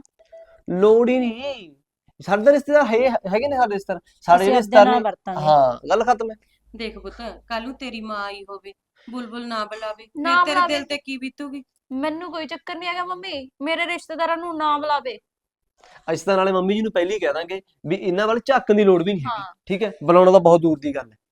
ਲੋੜ ਹੀ ਨਹੀਂ, ਸਾਡੇ ਤਾਂ ਰਿਸ਼ਤੇਦਾਰ ਹੈ ਹੈਗੇ ਨੇ, ਸਾਡੇ ਰਿਸ਼ਤੇਦਾਰ ਸਾਡੇ
ਅਸੀਂ
ਜਿਹੜੇ
ਆਪਦੇ
ਰਿਸ਼ਤੇਦਾਰ
ਨਾਲ
ਨੇ।
ਵਰਤਾਂਗੇ।
ਹਾਂ ਗੱਲ ਖਤਮ ਹੈ।
ਦੇਖ ਪੁੱਤ, ਕੱਲ ਨੂੰ ਤੇਰੀ ਮਾਂ ਆਈ ਹੋਵੇ, ਬੁਲਬੁਲ ਨਾ ਬੁਲਾਵੇ,
ਨਾ
ਫਿਰ ਤੇਰੇ
ਬੁਲਾਵੇ।
ਦਿਲ ਤੇ ਕੀ ਬੀਤੂਗੀ।
ਮੈਨੂੰ ਕੋਈ ਚੱਕਰ ਨਹੀਂ ਹੈਗਾ ਮੰਮੀ, ਮੇਰੇ ਰਿਸ਼ਤੇਦਾਰਾਂ ਨੂੰ ਨਾ ਬੁਲਾਵੇ।
ਅਸੀਂ ਤਾਂ ਨਾਲੇ ਮੰਮੀ ਜੀ ਨੂੰ ਪਹਿਲਾਂ ਹੀ ਕਹਿ ਦਾਂਗੇ ਵੀ ਇਹਨਾਂ ਵੱਲ ਝਾਕਣ ਦੀ ਲੋੜ ਵੀ ਨਹੀਂ ਹੈਗੀ,
ਹਾਂ
ਠੀਕ ਹੈ। ਬੁਲਾਉਣਾ ਤਾਂ ਬਹੁਤ ਦੂਰ ਦੀ ਗੱਲ ਹੈ।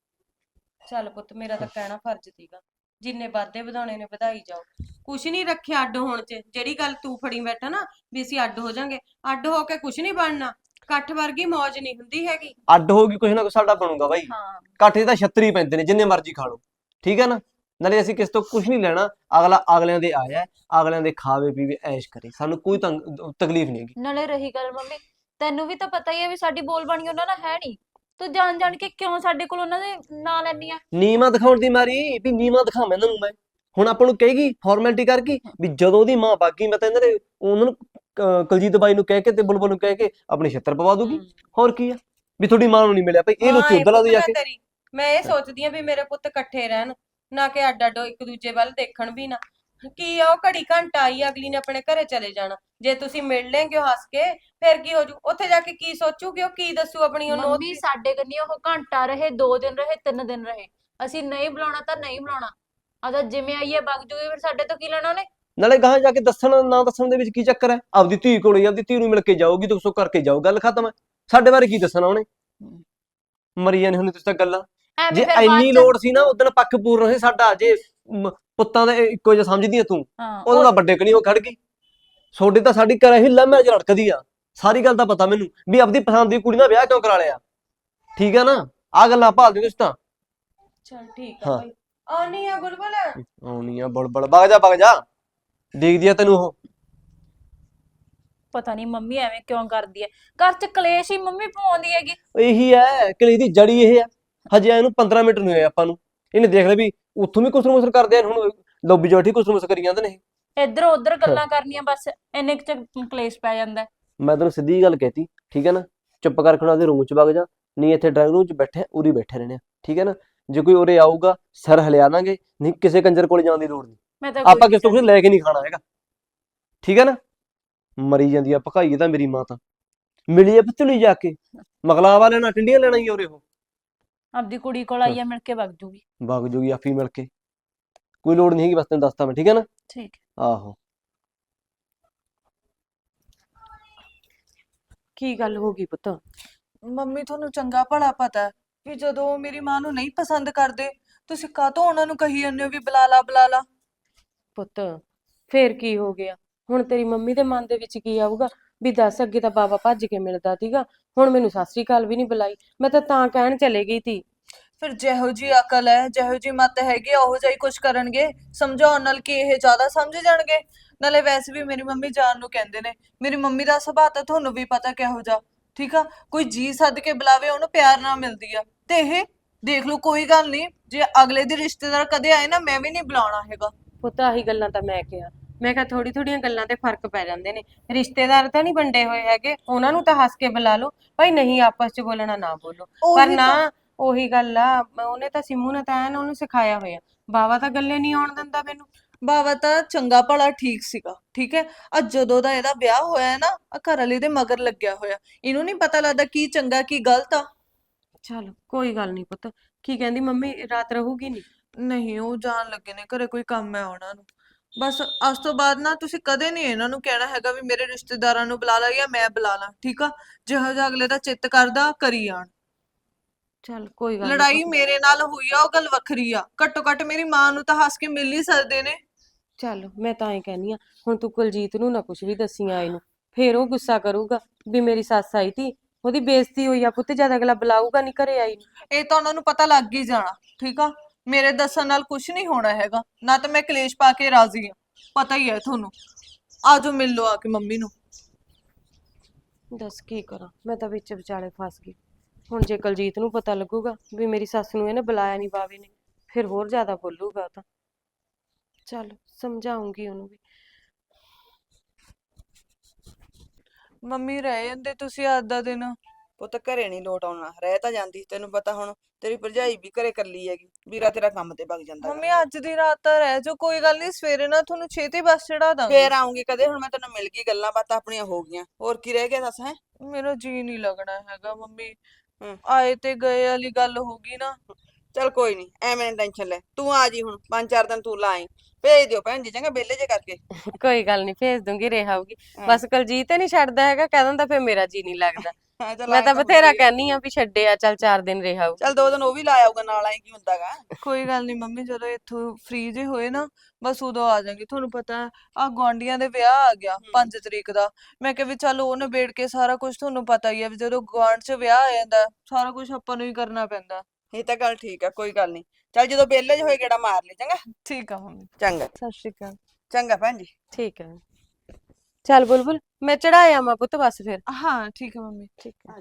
ਚੱਲ ਪੁੱਤ, ਮੇਰਾ ਤਾਂ ਕਹਿਣਾ ਫਰਜ਼ ਸੀਗਾ, ਜਿੰਨੇ ਵਾਧੇ ਵਧਾਉਣੇ ਨੇ ਵਧਾਈ ਜਾਓ। ਕੁਛ ਨਹੀਂ ਰੱਖਿਆ ਅੱਡ ਹੋਣ 'ਚ। ਜਿਹੜੀ ਗੱਲ ਤੂੰ ਫੜੀ ਬੈਠਾ ਨਾ ਵੀ ਅਸੀਂ ਅੱਡ ਹੋ ਜਾਾਂਗੇ, ਅੱਡ ਹੋ ਕੇ ਕੁਛ ਨਹੀਂ ਬਣਨਾ। ਇਕੱਠ ਵਰਗੀ ਮੌਜ ਨਹੀਂ ਹੁੰਦੀ ਹੈਗੀ।
ਅੱਡ ਹੋ ਗਈ ਕੁਛ ਨਾ ਕੁਛ ਸਾਡਾ ਬਣੂਗਾ ਬਾਈ।
ਹਾਂ
ਕਾਠੇ ਤਾਂ ਛੱਤਰੀ ਪੈਂਦੇ ਨੇ, ਜਿੰਨੇ ਮਰਜ਼ੀ ਖਾ ਲਓ, ਠੀਕ ਹੈ ਨਾ। ਨਾਲੇ ਅਸੀਂ ਕਿਸੇ ਤੋਂ ਕੁਛ ਨਹੀਂ ਲੈਣਾ, ਅਗਲਾ ਅਗਲਿਆਂ ਦੇ ਆਇਆ, ਅਗਲਿਆਂ ਦੇ ਖਾਵੇ ਪੀਵੇ ਐਸ਼ ਕਰੇ, ਸਾਨੂੰ ਕੋਈ ਤੰਗ ਤਕਲੀਫ ਨਹੀਂ ਹੈਗੀ।
ਨਾਲੇ ਰਹੀ ਗੱਲ ਮੰਮੀ, ਤੈਨੂੰ ਵੀ ਤਾਂ ਪਤਾ ਹੀ ਹੈ ਵੀ ਸਾਡੀ ਬੋਲ ਬਾਣੀ ਉਹਨਾਂ ਨਾਲ ਹੈ ਨਹੀਂ। ਤੂੰ ਜਾਣ ਜਾਣ ਕੇ ਕਿਉਂ ਸਾਡੇ ਕੋਲ ਉਹਨਾਂ ਦੇ ਨਾਂ ਲੈਣੀ ਆ?
ਨੀਵਾਂ ਦਿਖਾਉਣ ਦੀ ਮਾਰੀ ਵੀ ਨੀਵਾਂ ਦਿਖਾਵਾਂ ਇਹਨਾਂ ਨੂੰ ਮੈਂ। ਹੁਣ ਆਪਾਂ ਨੂੰ ਕਹੇਗੀ ਫਾਰਮੈਲਿਟੀ ਕਰਕੇ ਵੀ ਜਦੋਂ ਉਹਦੀ ਮਾਂ ਬਾਗੀ, ਮੈਂ ਤਾਂ ਇਹਨਾਂ ਦੇ ਉਹਨਾਂ ਨੂੰ ਅਹ ਕੁਲਜੀਤ ਬਾਈ ਨੂੰ ਕਹਿ ਕੇ ਤੇ ਬੁਲਬੁਲ ਨੂੰ ਕਹਿ ਕੇ ਆਪਣੀ ਛਿੱਤਰ ਪਵਾ ਦੂਗੀ। ਹੋਰ ਕੀ ਆ ਵੀ ਤੁਹਾਡੀ ਮਾਂ ਨੂੰ ਨਹੀਂ ਮਿਲਿਆ ਭਾਈ, ਇਹ
ਮਾਂ
ਲੋਕੀ
ਏ
ਉਧਰ ਲਾ
ਪੁੱਤ
ਦੇ ਜਾ
ਮੈਂ
ਕੇ।
ਤੇਰੀ, ਮੈਂ ਇਹ ਸੋਚਦੀ ਆ ਵੀ ਮੇਰੇ ਪੁੱਤ ਇਕੱਠੇ ਰਹਿਣ, ਨਾ ਕਿ ਅੱਡ ਅੱਡ ਇੱਕ ਦੂਜੇ ਵੱਲ ਦੇਖਣ ਵੀ ਨਾ। ਕੀ ਆ ਉਹ ਘੜੀ ਘੰਟਾ ਆਈ ਅਗਲੀ ਨੇ ਆਪਣੇ ਘਰੇ ਚਲੇ ਜਾਣਾ। ਜੇ ਤੁਸੀਂ ਮਿਲ ਲੈਂਗੇ ਉਹ ਹੱਸ ਕੇ, ਫਿਰ ਕੀ ਹੋ ਜੂ? ਉੱਥੇ ਜਾ ਕੇ ਕੀ ਸੋਚੂਗੀ ਉਹ, ਕੀ ਦੱਸੂ ਆਪਣੀ ਉਹ ਨੋਤ
ਮੰਮੀ
ਦੀ?
ਸਾਡੇ ਕੰਨੀ ਉਹ ਘੰਟਾ ਰਹੇ, ਦੋ ਦਿਨ ਰਹੇ, ਤਿੰਨ ਦਿਨ ਰਹੇ, ਅਸੀਂ ਨਹੀਂ ਬੁਲਾਉਣਾ ਤਾਂ ਨਹੀਂ ਬੁਲਾਉਣਾ। ਅਗਰ ਜਿਵੇਂ ਆਈਏ ਵਗ ਜੂਗੀ, ਫਿਰ ਸਾਡੇ ਤੋਂ ਕੀ ਲੈਣਾ ਉਹਨੇ?
ਨਾਲੇ ਗਾਹਾਂ ਜਾ ਕੇ ਦੱਸਣ ਨਾ ਦੱਸਣ ਦੇ ਵਿੱਚ ਕੀ ਚੱਕਰ ਹੈ? ਆਪਦੀ ਧੀ ਕੋਲੇ ਆਪਦੀ ਧੀ ਨੂੰ ਮਿਲ ਕੇ ਜਾਊਗੀ, ਦੁੱਖ ਸੁੱਖ ਕਰਕੇ ਜਾਊ, ਗੱਲ ਖਤਮ ਹੈ। ਸਾਡੇ ਬਾਰੇ ਕੀ ਦੱਸਣਾ ਉਹਨੇ? ਮਰੀ ਜਾਣੀ ਹੁੰਦੀ ਤੁਸੀਂ ਤਾਂ ਗੱਲਾਂ। ਜੇ
ਐਵੇਂ ਫਿਰ ਬਾਅਦ
ਇੰਨੀ
ਚ
ਲੋੜ ਸੀ ਨਾ ਉਦੋਂ ਪੱਖ ਪੂਰਨ ਸੀ ਸਾਡਾ। ਜੇ ਮ- ਪੁੱਤਾਂ ਦੇ ਇੱਕੋ ਜਿਹਾ ਸਮਝਦੀ ਆ ਤੂੰ,
ਹਾਂ
ਉਦੋਂ
ਉਹ
ਤਾਂ ਵੱਡੇ ਕਣੀ ਉਹ ਖੜ ਗਈ। ਛੋਡੀ ਤਾਂ ਸਾਡੀ ਘਰੇ ਹੀ ਲੰਮੇ ਚ ਲੜਕਦੀ ਆ। ਸਾਰੀ ਗੱਲ ਤਾਂ ਪਤਾ ਮੈਨੂੰ ਵੀ ਆਪਦੀ ਪਸੰਦ ਦੀ ਕੁੜੀ ਨਾਲ ਵਿਆਹ ਕਿਉਂ ਕਰਾ ਲਿਆ। ਠੀਕ ਹੈ ਨਾ? ਆ ਗੱਲਾਂ ਭਾਲਦੇ ਤੁਸੀਂ ਤਾਂ।
ਚਲ ਠੀਕ ਆ
ਹਾਂ।
ਭਾਈ, ਆਉਣੀ ਆ ਬੁਲਬੁਲ।
ਆਉਣੀ ਆ ਬੜਬੜ, ਵਗ ਜਾ ਵਗ ਜਾ, ਦੇਖਦੀ ਆ ਤੈਨੂੰ ਉਹ।
ਪਤਾ ਨਹੀਂ ਮੰਮੀ ਐਵੇਂ ਕਿਉਂ ਕਰਦੀ ਹੈ, ਘਰ ਚ ਕਲੇਸ਼ ਹੀ ਮੰਮੀ ਪਾਉਂਦੀ ਹੈਗੀ।
ਇਹੀ ਹੈ ਕਿ ਦੀ ਜੜੀ ਇਹ ਆ। ਹਜੇ ਇਹਨੂੰ ਪੰਦਰਾਂ ਮਿੰਟ ਨਹੀਂ ਹੋਏ ਆਪਾਂ ਨੂੰ, ਇਹਨੇ ਦੇਖ ਲਿਆ ਵੀ ਉੱਥੋਂ ਵੀ ਕੁਸਰ ਮੁਸਰ ਕਰਦੇ ਆ, ਹੁਣ ਲੋਬੀ ਜੋਠੀ ਕੁਸਰ ਮੁਸਰ ਕਰੀ ਜਾਂਦੇ ਨੇ।
ਇੱਧਰ ਉੱਧਰ ਗੱਲਾਂ ਕਰਨੀਆਂ, ਬਸ ਇੰਨੇ ਕੁ ਚ ਕਲੇਸ਼ ਪੈ ਜਾਂਦਾ ਹੈ।
ਮੈਂ ਤੈਨੂੰ ਸਿੱਧੀ ਗੱਲ ਕਹਿਤੀ, ਠੀਕ ਹੈ ਨਾ? ਚੁੱਪ ਕਰਕੇ ਉਹਦੇ ਰੂਮ ਚ ਵਗ ਜਾ, ਨਹੀਂ ਇੱਥੇ ਡਰਾਈਵਿੰਗ ਰੂਮ ਚ ਬੈਠੇ ਉਰੀ ਬੈਠੇ ਰਹਿਣੇ ਆ, ਠੀਕ ਹੈ ਨਾ? ਜੇ ਕੋਈ ਉਰੇ ਆਊਗਾ ਸਿਰ ਹਿਲਿਆ ਦਾਂਗੇ, ਨਹੀਂ ਕਿਸੇ ਕੰਜਰ ਕੋਲ ਜਾਣ ਦੀ ਲੋੜ ਨਹੀਂ।
ਮੈਂ ਤਾਂ ਕੋਈ
ਆਪਾਂ
ਨੀ
ਕਿਸੇ ਤੋਂ ਕੁਝ
ਜਾਂਦੀ।
ਲੈ ਕੇ ਨਹੀਂ ਖਾਣਾ ਹੈਗਾ, ਠੀਕ ਹੈ ਨਾ? ਮਰੀ ਜਾਂਦੀ ਆ ਭਕਾਈ ਤਾਂ ਮੇਰੀ ਮਾਂ ਤਾਂ। ਮਿਲੀ ਆ ਪਤਲੀ ਜਾ ਕੇ, ਮਗਲਾਵਾ ਲੈਣਾ, ਟਿੰਡੀਆਂ ਲੈਣਾ ਹੀ ਉਰੇ ਉਹ।
ਆਪਦੀ ਕੁੜੀ ਕੋਲ ਆਈ ਆ, ਮਿਲ ਕੇ ਵਗ ਜੂਗੀ।
ਵਗ ਜੂਗੀ ਆਪੀ ਮਿਲ ਕੇ, ਕੋਈ ਲੋੜ ਨਹੀਂ ਹੈਗੀ, ਬਸ ਤੈਨੂੰ ਦੱਸਤਾ ਮੈਂ, ਠੀਕ ਹੈ ਨਾ?
ਠੀਕ।
ਆਹੋ।
ਕੀ ਗੱਲ ਹੋ ਗਈ ਪੁੱਤ?
ਮੰਮੀ ਤੁਹਾਨੂੰ ਚੰਗਾ ਭਲਾ ਪਤਾ ਹੈ ਵੀ ਜਦੋਂ ਉਹ ਮੇਰੀ ਮਾਂ ਨੂੰ ਨਹੀਂ ਪਸੰਦ ਕਰਦੇ, ਤੁਸੀਂ ਕਾਹਤੋਂ ਉਹਨਾਂ ਨੂੰ ਕਹੀ ਜਾਂਦੇ ਹੋ ਵੀ ਬੁਲਾ ਲਾ ਬੁਲਾ ਲਾ।
ਪੁੱਤ ਫੇਰ ਕੀ ਹੋ ਗਿਆ? ਹੁਣ ਤੇਰੀ ਮੰਮੀ ਦੇ ਮਨ ਦੇ ਵਿੱਚ ਕੀ ਆਊਗਾ ਵੀ ਦੱਸ, ਅੱਗੇ ਤਾਂ ਬਾਬਾ ਭੱਜ ਕੇ ਮਿਲਦਾ ਸੀਗਾ, ਹੁਣ ਮੈਨੂੰ ਸਤਿ ਸ੍ਰੀ ਅਕਾਲ ਵੀ ਨਹੀਂ ਬੁਲਾਈ। ਮੈਂ ਤਾਂ ਤਾਂ ਕਹਿਣ ਚਲੇ ਗਈ ਤੀ।
ਫਿਰ ਜਿਹੋ ਜੀ ਅਕਲ ਹੈ, ਜਿਹੋ ਜੀ ਮੱਤ ਹੈਗੀ ਆ, ਉਹੋ ਜਿਹਾ ਹੀ ਕੁਝ ਕਰਨਗੇ। ਸਮਝਾਉਣ ਨਾਲ ਕੀ ਇਹ ਜ਼ਿਆਦਾ ਸਮਝ ਜਾਣਗੇ? ਨਾਲੇ ਵੈਸੇ ਵੀ ਮੇਰੀ ਮੰਮੀ ਜਾਨ ਨੂੰ ਕਹਿੰਦੇ ਨੇ। ਮੇਰੀ ਮੰਮੀ ਦਾ ਸੁਭਾਅ ਤਾਂ ਤੁਹਾਨੂੰ ਵੀ ਪਤਾ ਕਿਹੋ ਜਿਹਾ, ਠੀਕ ਆ? ਕੋਈ ਜੀ ਸੱਦ ਕੇ ਬੁਲਾਵੇ ਉਹਨੂੰ ਪਿਆਰ ਨਾਲ ਮਿਲਦੀ ਆ। ਤੇ ਇਹ ਦੇਖ ਲਓ, ਕੋਈ ਗੱਲ ਨਹੀਂ, ਜੇ ਅਗਲੇ ਦੇ ਰਿਸ਼ਤੇਦਾਰ ਕਦੇ ਆਏ ਨਾ, ਮੈਂ ਵੀ ਨਹੀਂ ਬੁਲਾਉਣਾ ਹੈਗਾ।
ਪੁੱਤ ਆਹੀ ਗੱਲਾਂ ਤਾਂ ਮੈਂ ਕਿਹਾ, ਮੈਂ ਕਿਹਾ ਥੋੜੀ ਥੋੜੀਆਂ ਗੱਲਾਂ ਤੇ ਫਰਕ ਪੈ ਜਾਂਦੇ ਨੇ। ਰਿਸ਼ਤੇਦਾਰ ਤਾਂ ਨਹੀਂ ਵੰਡੇ ਹੋਏ ਹੈਗੇ, ਉਹਨਾਂ ਨੂੰ ਤਾਂ ਹੱਸ ਕੇ ਬੁਲਾ ਲਓ ਭਾਈ, ਨਹੀਂ ਆਪਸ ਚ ਬੋਲਣਾ ਨਾ ਬੋਲੋ। ਪਰ
ਉਹੀ
ਨਾ,
ਤਾਂ
ਉਹੀ ਗੱਲ ਆ, ਉਹਨੇ ਤਾਂ ਸਿੰਮੂ ਨੇ ਤਾਂ ਐਨ ਉਹਨੂੰ ਸਿਖਾਇਆ ਹੋਇਆ। ਬਾਵਾ ਤਾਂ ਗੱਲੇ ਨਹੀਂ ਆਉਣ ਦਿੰਦਾ ਮੈਨੂੰ।
ਬਾਵਾ ਤਾਂ ਚੰਗਾ ਭਲਾ ਠੀਕ ਸੀਗਾ, ਠੀਕ ਹੈ? ਅੱਜ ਜਦੋਂ ਦਾ ਇਹਦਾ ਵਿਆਹ ਹੋਇਆ ਹੈ ਨਾ, ਆ ਘਰ ਵਾਲੇ ਦੇ ਮਗਰ ਲੱਗਿਆ ਹੋਇਆ। ਇਹਨੂੰ ਨਹੀਂ ਪਤਾ ਲੱਗਦਾ ਕੀ ਚੰਗਾ ਕੀ ਗਲਤ ਆ।
ਚਲ ਕੋਈ ਗੱਲ ਨਹੀਂ ਪੁੱਤ। ਕੀ ਕਹਿੰਦੀ ਮੰਮੀ, ਰਾਤ ਰਹੂਗੀ ਨਹੀਂ?
ਨਹੀਂ, ਉਹ ਜਾਣ ਲੱਗੇ ਨੇ, ਘਰੇ ਕੋਈ ਕੰਮ ਹੈ ਉਹਨਾਂ ਨੂੰ। ਬਸ ਅੱਜ ਤੋਂ ਬਾਅਦ ਨਾ ਤੁਸੀਂ ਕਦੇ ਨਹੀਂ ਇਹਨਾਂ ਨੂੰ ਕਹਿਣਾ ਹੈਗਾ ਵੀ ਮੇਰੇ ਰਿਸ਼ਤੇਦਾਰਾਂ ਨੂੰ ਬੁਲਾ ਲਾ ਜਾਂ ਮੈਂ ਬੁਲਾ ਲਾਂ, ਠੀਕ ਆ? ਜਿਹੋ ਜਿਹਾ ਅਗਲੇ ਦਾ ਚਿੱਤ ਕਰਦਾ ਕਰੀ ਜਾਣ।
ਚਲ ਕੋਈ ਗੱਲ ਨਹੀਂ
ਲੜਾਈ
ਪੁੱਤ।
ਮੇਰੇ ਨਾਲ ਹੋਈ ਆ ਉਹ ਗੱਲ ਵੱਖਰੀ ਆ, ਘੱਟੋ ਘੱਟ ਮੇਰੀ ਮਾਂ ਨੂੰ ਤਾਂ ਹੱਸ ਕੇ ਮਿਲ ਹੀ ਸਕਦੇ ਨੇ।
ਚੱਲ ਮੈਂ ਤਾਂ ਐਂ ਕਹਿੰਦੀ ਆ, ਹੁਣ ਤੂੰ ਕੁਲਜੀਤ ਨੂੰ ਨਾ ਕੁਝ ਵੀ ਦੱਸੀ ਆਏ ਨੂੰ, ਫੇਰ ਉਹ ਗੁੱਸਾ ਕਰੂਗਾ ਵੀ ਮੇਰੀ ਸੱਸ ਆਈ ਤੀ, ਉਹਦੀ ਬੇਇੱਜ਼ਤੀ ਹੋਈ ਆ ਪੁੱਤ, ਜਦ ਅਗਲਾ ਬੁਲਾਊਗਾ ਨਹੀਂ ਘਰੇ ਆਈ ਨੂੰ।
ਇਹ ਤਾਂ ਉਹਨਾਂ ਨੂੰ ਪਤਾ ਲੱਗ ਹੀ ਜਾਣਾ, ਠੀਕ ਆ? ਮੇਰੇ ਦੱਸਣ ਨਾਲ ਕੁਝ ਨਹੀਂ ਹੋਣਾ ਹੈਗਾ, ਨਾ ਤਾਂ ਮੈਂ ਕਲੇਸ਼ ਪਾ ਕੇ ਰਾਜ਼ੀ ਆ, ਪਤਾ ਹੀ ਹੈ ਤੁਹਾਨੂੰ। ਆਜੋ ਮਿਲ ਲਓ ਆ ਕੇ ਮੰਮੀ ਨੂੰ।
ਦੱਸ ਕੀ ਕਰਾਂ, ਮੈਂ ਤਾਂ ਵਿੱਚ ਵਿਚਾਲੇ ਫਸ ਗਈ। ਹੁਣ ਜੇ ਕੁਲਜੀਤ ਨੂੰ ਪਤਾ ਲੱਗੂਗਾ ਵੀ ਮੇਰੀ ਸੱਸ ਨੂੰ ਇਹਨੇ ਬੁਲਾਇਆ ਨਹੀਂ ਬਾਵੇ ਨੇ, ਫਿਰ ਹੋਰ ਜ਼ਿਆਦਾ ਬੋਲੂਗਾ ਉਹ ਤਾਂ। ਚੱਲ ਸਮਝਾਉਂਗੀ ਉਹਨੂੰ ਵੀ।
ਮੰਮੀ ਰਹਿ ਜਾਂਦੇ ਤੁਸੀਂ ਅੱਜ ਦਾ ਦਿਨ।
ਪੁੱਤ ਘਰੇ ਨਹੀਂ ਲੋਟ ਆਉਣਾ, ਰਹਿ ਤਾਂ ਜਾਂਦੀ, ਤੈਨੂੰ ਪਤਾ ਹੁਣ ਤੇਰੀ ਭਰਜਾਈ ਵੀ ਘਰੇ ਇਕੱਲੀ ਹੈਗੀ, ਵੀਰਾ ਤੇਰਾ ਕੰਮ ਤੇ ਵਗ ਜਾਂਦਾ
ਮੰਮੀ
ਗਾ।
ਅੱਜ ਦੀ ਰਾਤ ਤਾਂ ਰਹਿ ਜਾਓ, ਕੋਈ ਗੱਲ ਨਹੀਂ, ਸਵੇਰੇ ਨਾ ਤੁਹਾਨੂੰ ਛੇਤੀ ਬੱਸ ਚੜਾ ਦਾਂਗੇ।
ਫੇਰ ਆਉਂਗੀ ਕਦੇ, ਹੁਣ ਮੈਂ ਤੈਨੂੰ ਮਿਲ ਗਈ, ਗੱਲਾਂ ਬਾਤਾਂ ਆਪਣੀਆਂ ਹੋ ਗਈਆਂ, ਹੋਰ ਕੀ ਰਹਿ ਗਿਆ ਦੱਸ? ਹੈ
ਮੇਰਾ ਜੀ ਨਹੀਂ ਲੱਗਣਾ ਹੈਗਾ ਮੰਮੀ,
ਹਮ।
ਆਏ ਤੇ ਗਏ ਵਾਲੀ ਗੱਲ ਹੋ ਗਈ ਨਾ।
ਚੱਲ ਕੋਈ ਨਹੀਂ, ਐਵੇਂ ਨਾ ਟੈਨਸ਼ਨ ਲੈ, ਤੂੰ ਆ ਜੀ ਹੁਣ, ਪੰਜ ਚਾਰ ਦਿਨ ਤੂੰ ਲਾਈ, ਭੇਜ ਦਿਓ ਭੈਣ ਜੀ ਚੰਗਾ, ਵਿਹਲੇ ਜੇ ਕਰਕੇ।
ਕੋਈ ਗੱਲ ਨਹੀਂ, ਭੇਜ ਦੂੰਗੀ, ਰਹਾਊਗੀ।
ਹਾਂ।
ਬਸ ਕੁਲਜੀਤ ਨਹੀਂ ਛੱਡਦਾ ਹੈਗਾ, ਕਹਿ ਦਿੰਦਾ ਫਿਰ ਮੇਰਾ ਜੀ ਨਹੀਂ ਲੱਗਦਾ।
ਹਾਂ ਚੱਲ
ਮੈਂ
ਆਏਂ
ਤਾਂ
ਹੁੰਦਾ
ਬਥੇਰਾ
ਹੀ ਆ।
ਕਹਿੰਨੀ ਆ ਵੀ ਛੱਡਿਆ, ਚੱਲ ਚਾਰ ਦਿਨ ਰਹਾਊ।
ਚੱਲ ਦੋ ਦਿਨ ਉਹ ਵੀ ਲਾ ਆਊਗਾ ਨਾਲ, ਆਏ ਕੀ ਹੁੰਦਾਗਾ।
ਕੋਈ ਗੱਲ ਨਹੀਂ ਮੰਮੀ, ਜਦੋਂ ਇੱਥੋਂ ਫ੍ਰੀ ਜੇ ਹੋਏ ਨਾ, ਬਸ ਉਦੋਂ ਆ ਜਾਾਂਗੇ। ਤੁਹਾਨੂੰ ਪਤਾ ਆ ਗੁਆਂਢੀਆਂ ਦੇ ਵਿਆਹ ਆ ਗਿਆ ਪੰਜ ਤਰੀਕ ਦਾ, ਮੈਂ ਕਿਹਾ ਵੀ ਚੱਲ ਉਹ ਨਿਬੇੜ ਕੇ ਸਾਰਾ ਕੁਝ, ਤੁਹਾਨੂੰ ਪਤਾ ਹੀ ਆ ਵੀ ਜਦੋਂ ਗੁਆਂਢ 'ਚ ਵਿਆਹ ਆ ਜਾਂਦਾ ਸਾਰਾ ਕੁਝ ਆਪਾਂ ਨੂੰ ਹੀ ਕਰਨਾ ਪੈਂਦਾ।
ਇਹ ਤਾਂ ਗੱਲ ਠੀਕ ਆ, ਕੋਈ ਗੱਲ ਨਹੀਂ। ਚੱਲ ਜਦੋਂ ਵਿਹਲੇ ਜੇ ਹੋਏ ਗੇੜਾ ਮਾਰ ਲਈ ਚੰਗਾ।
ਠੀਕ ਆ ਮੰਮੀ,
ਚੰਗਾ
ਸਤਿ ਸ਼੍ਰੀ ਅਕਾਲ।
ਚੰਗਾ ਭੈਣ ਜੀ।
ਠੀਕ ਹੈ। ਚੱਲ ਬੁਲਬੁਲ, ਮੈਂ ਚੜਾਇਆ ਮਾ ਪੁੱਤ ਬਸ ਫਿਰ।
ਹਾਂ ਠੀਕ ਆ ਮੰਮੀ।
ਠੀਕ ਹੈ।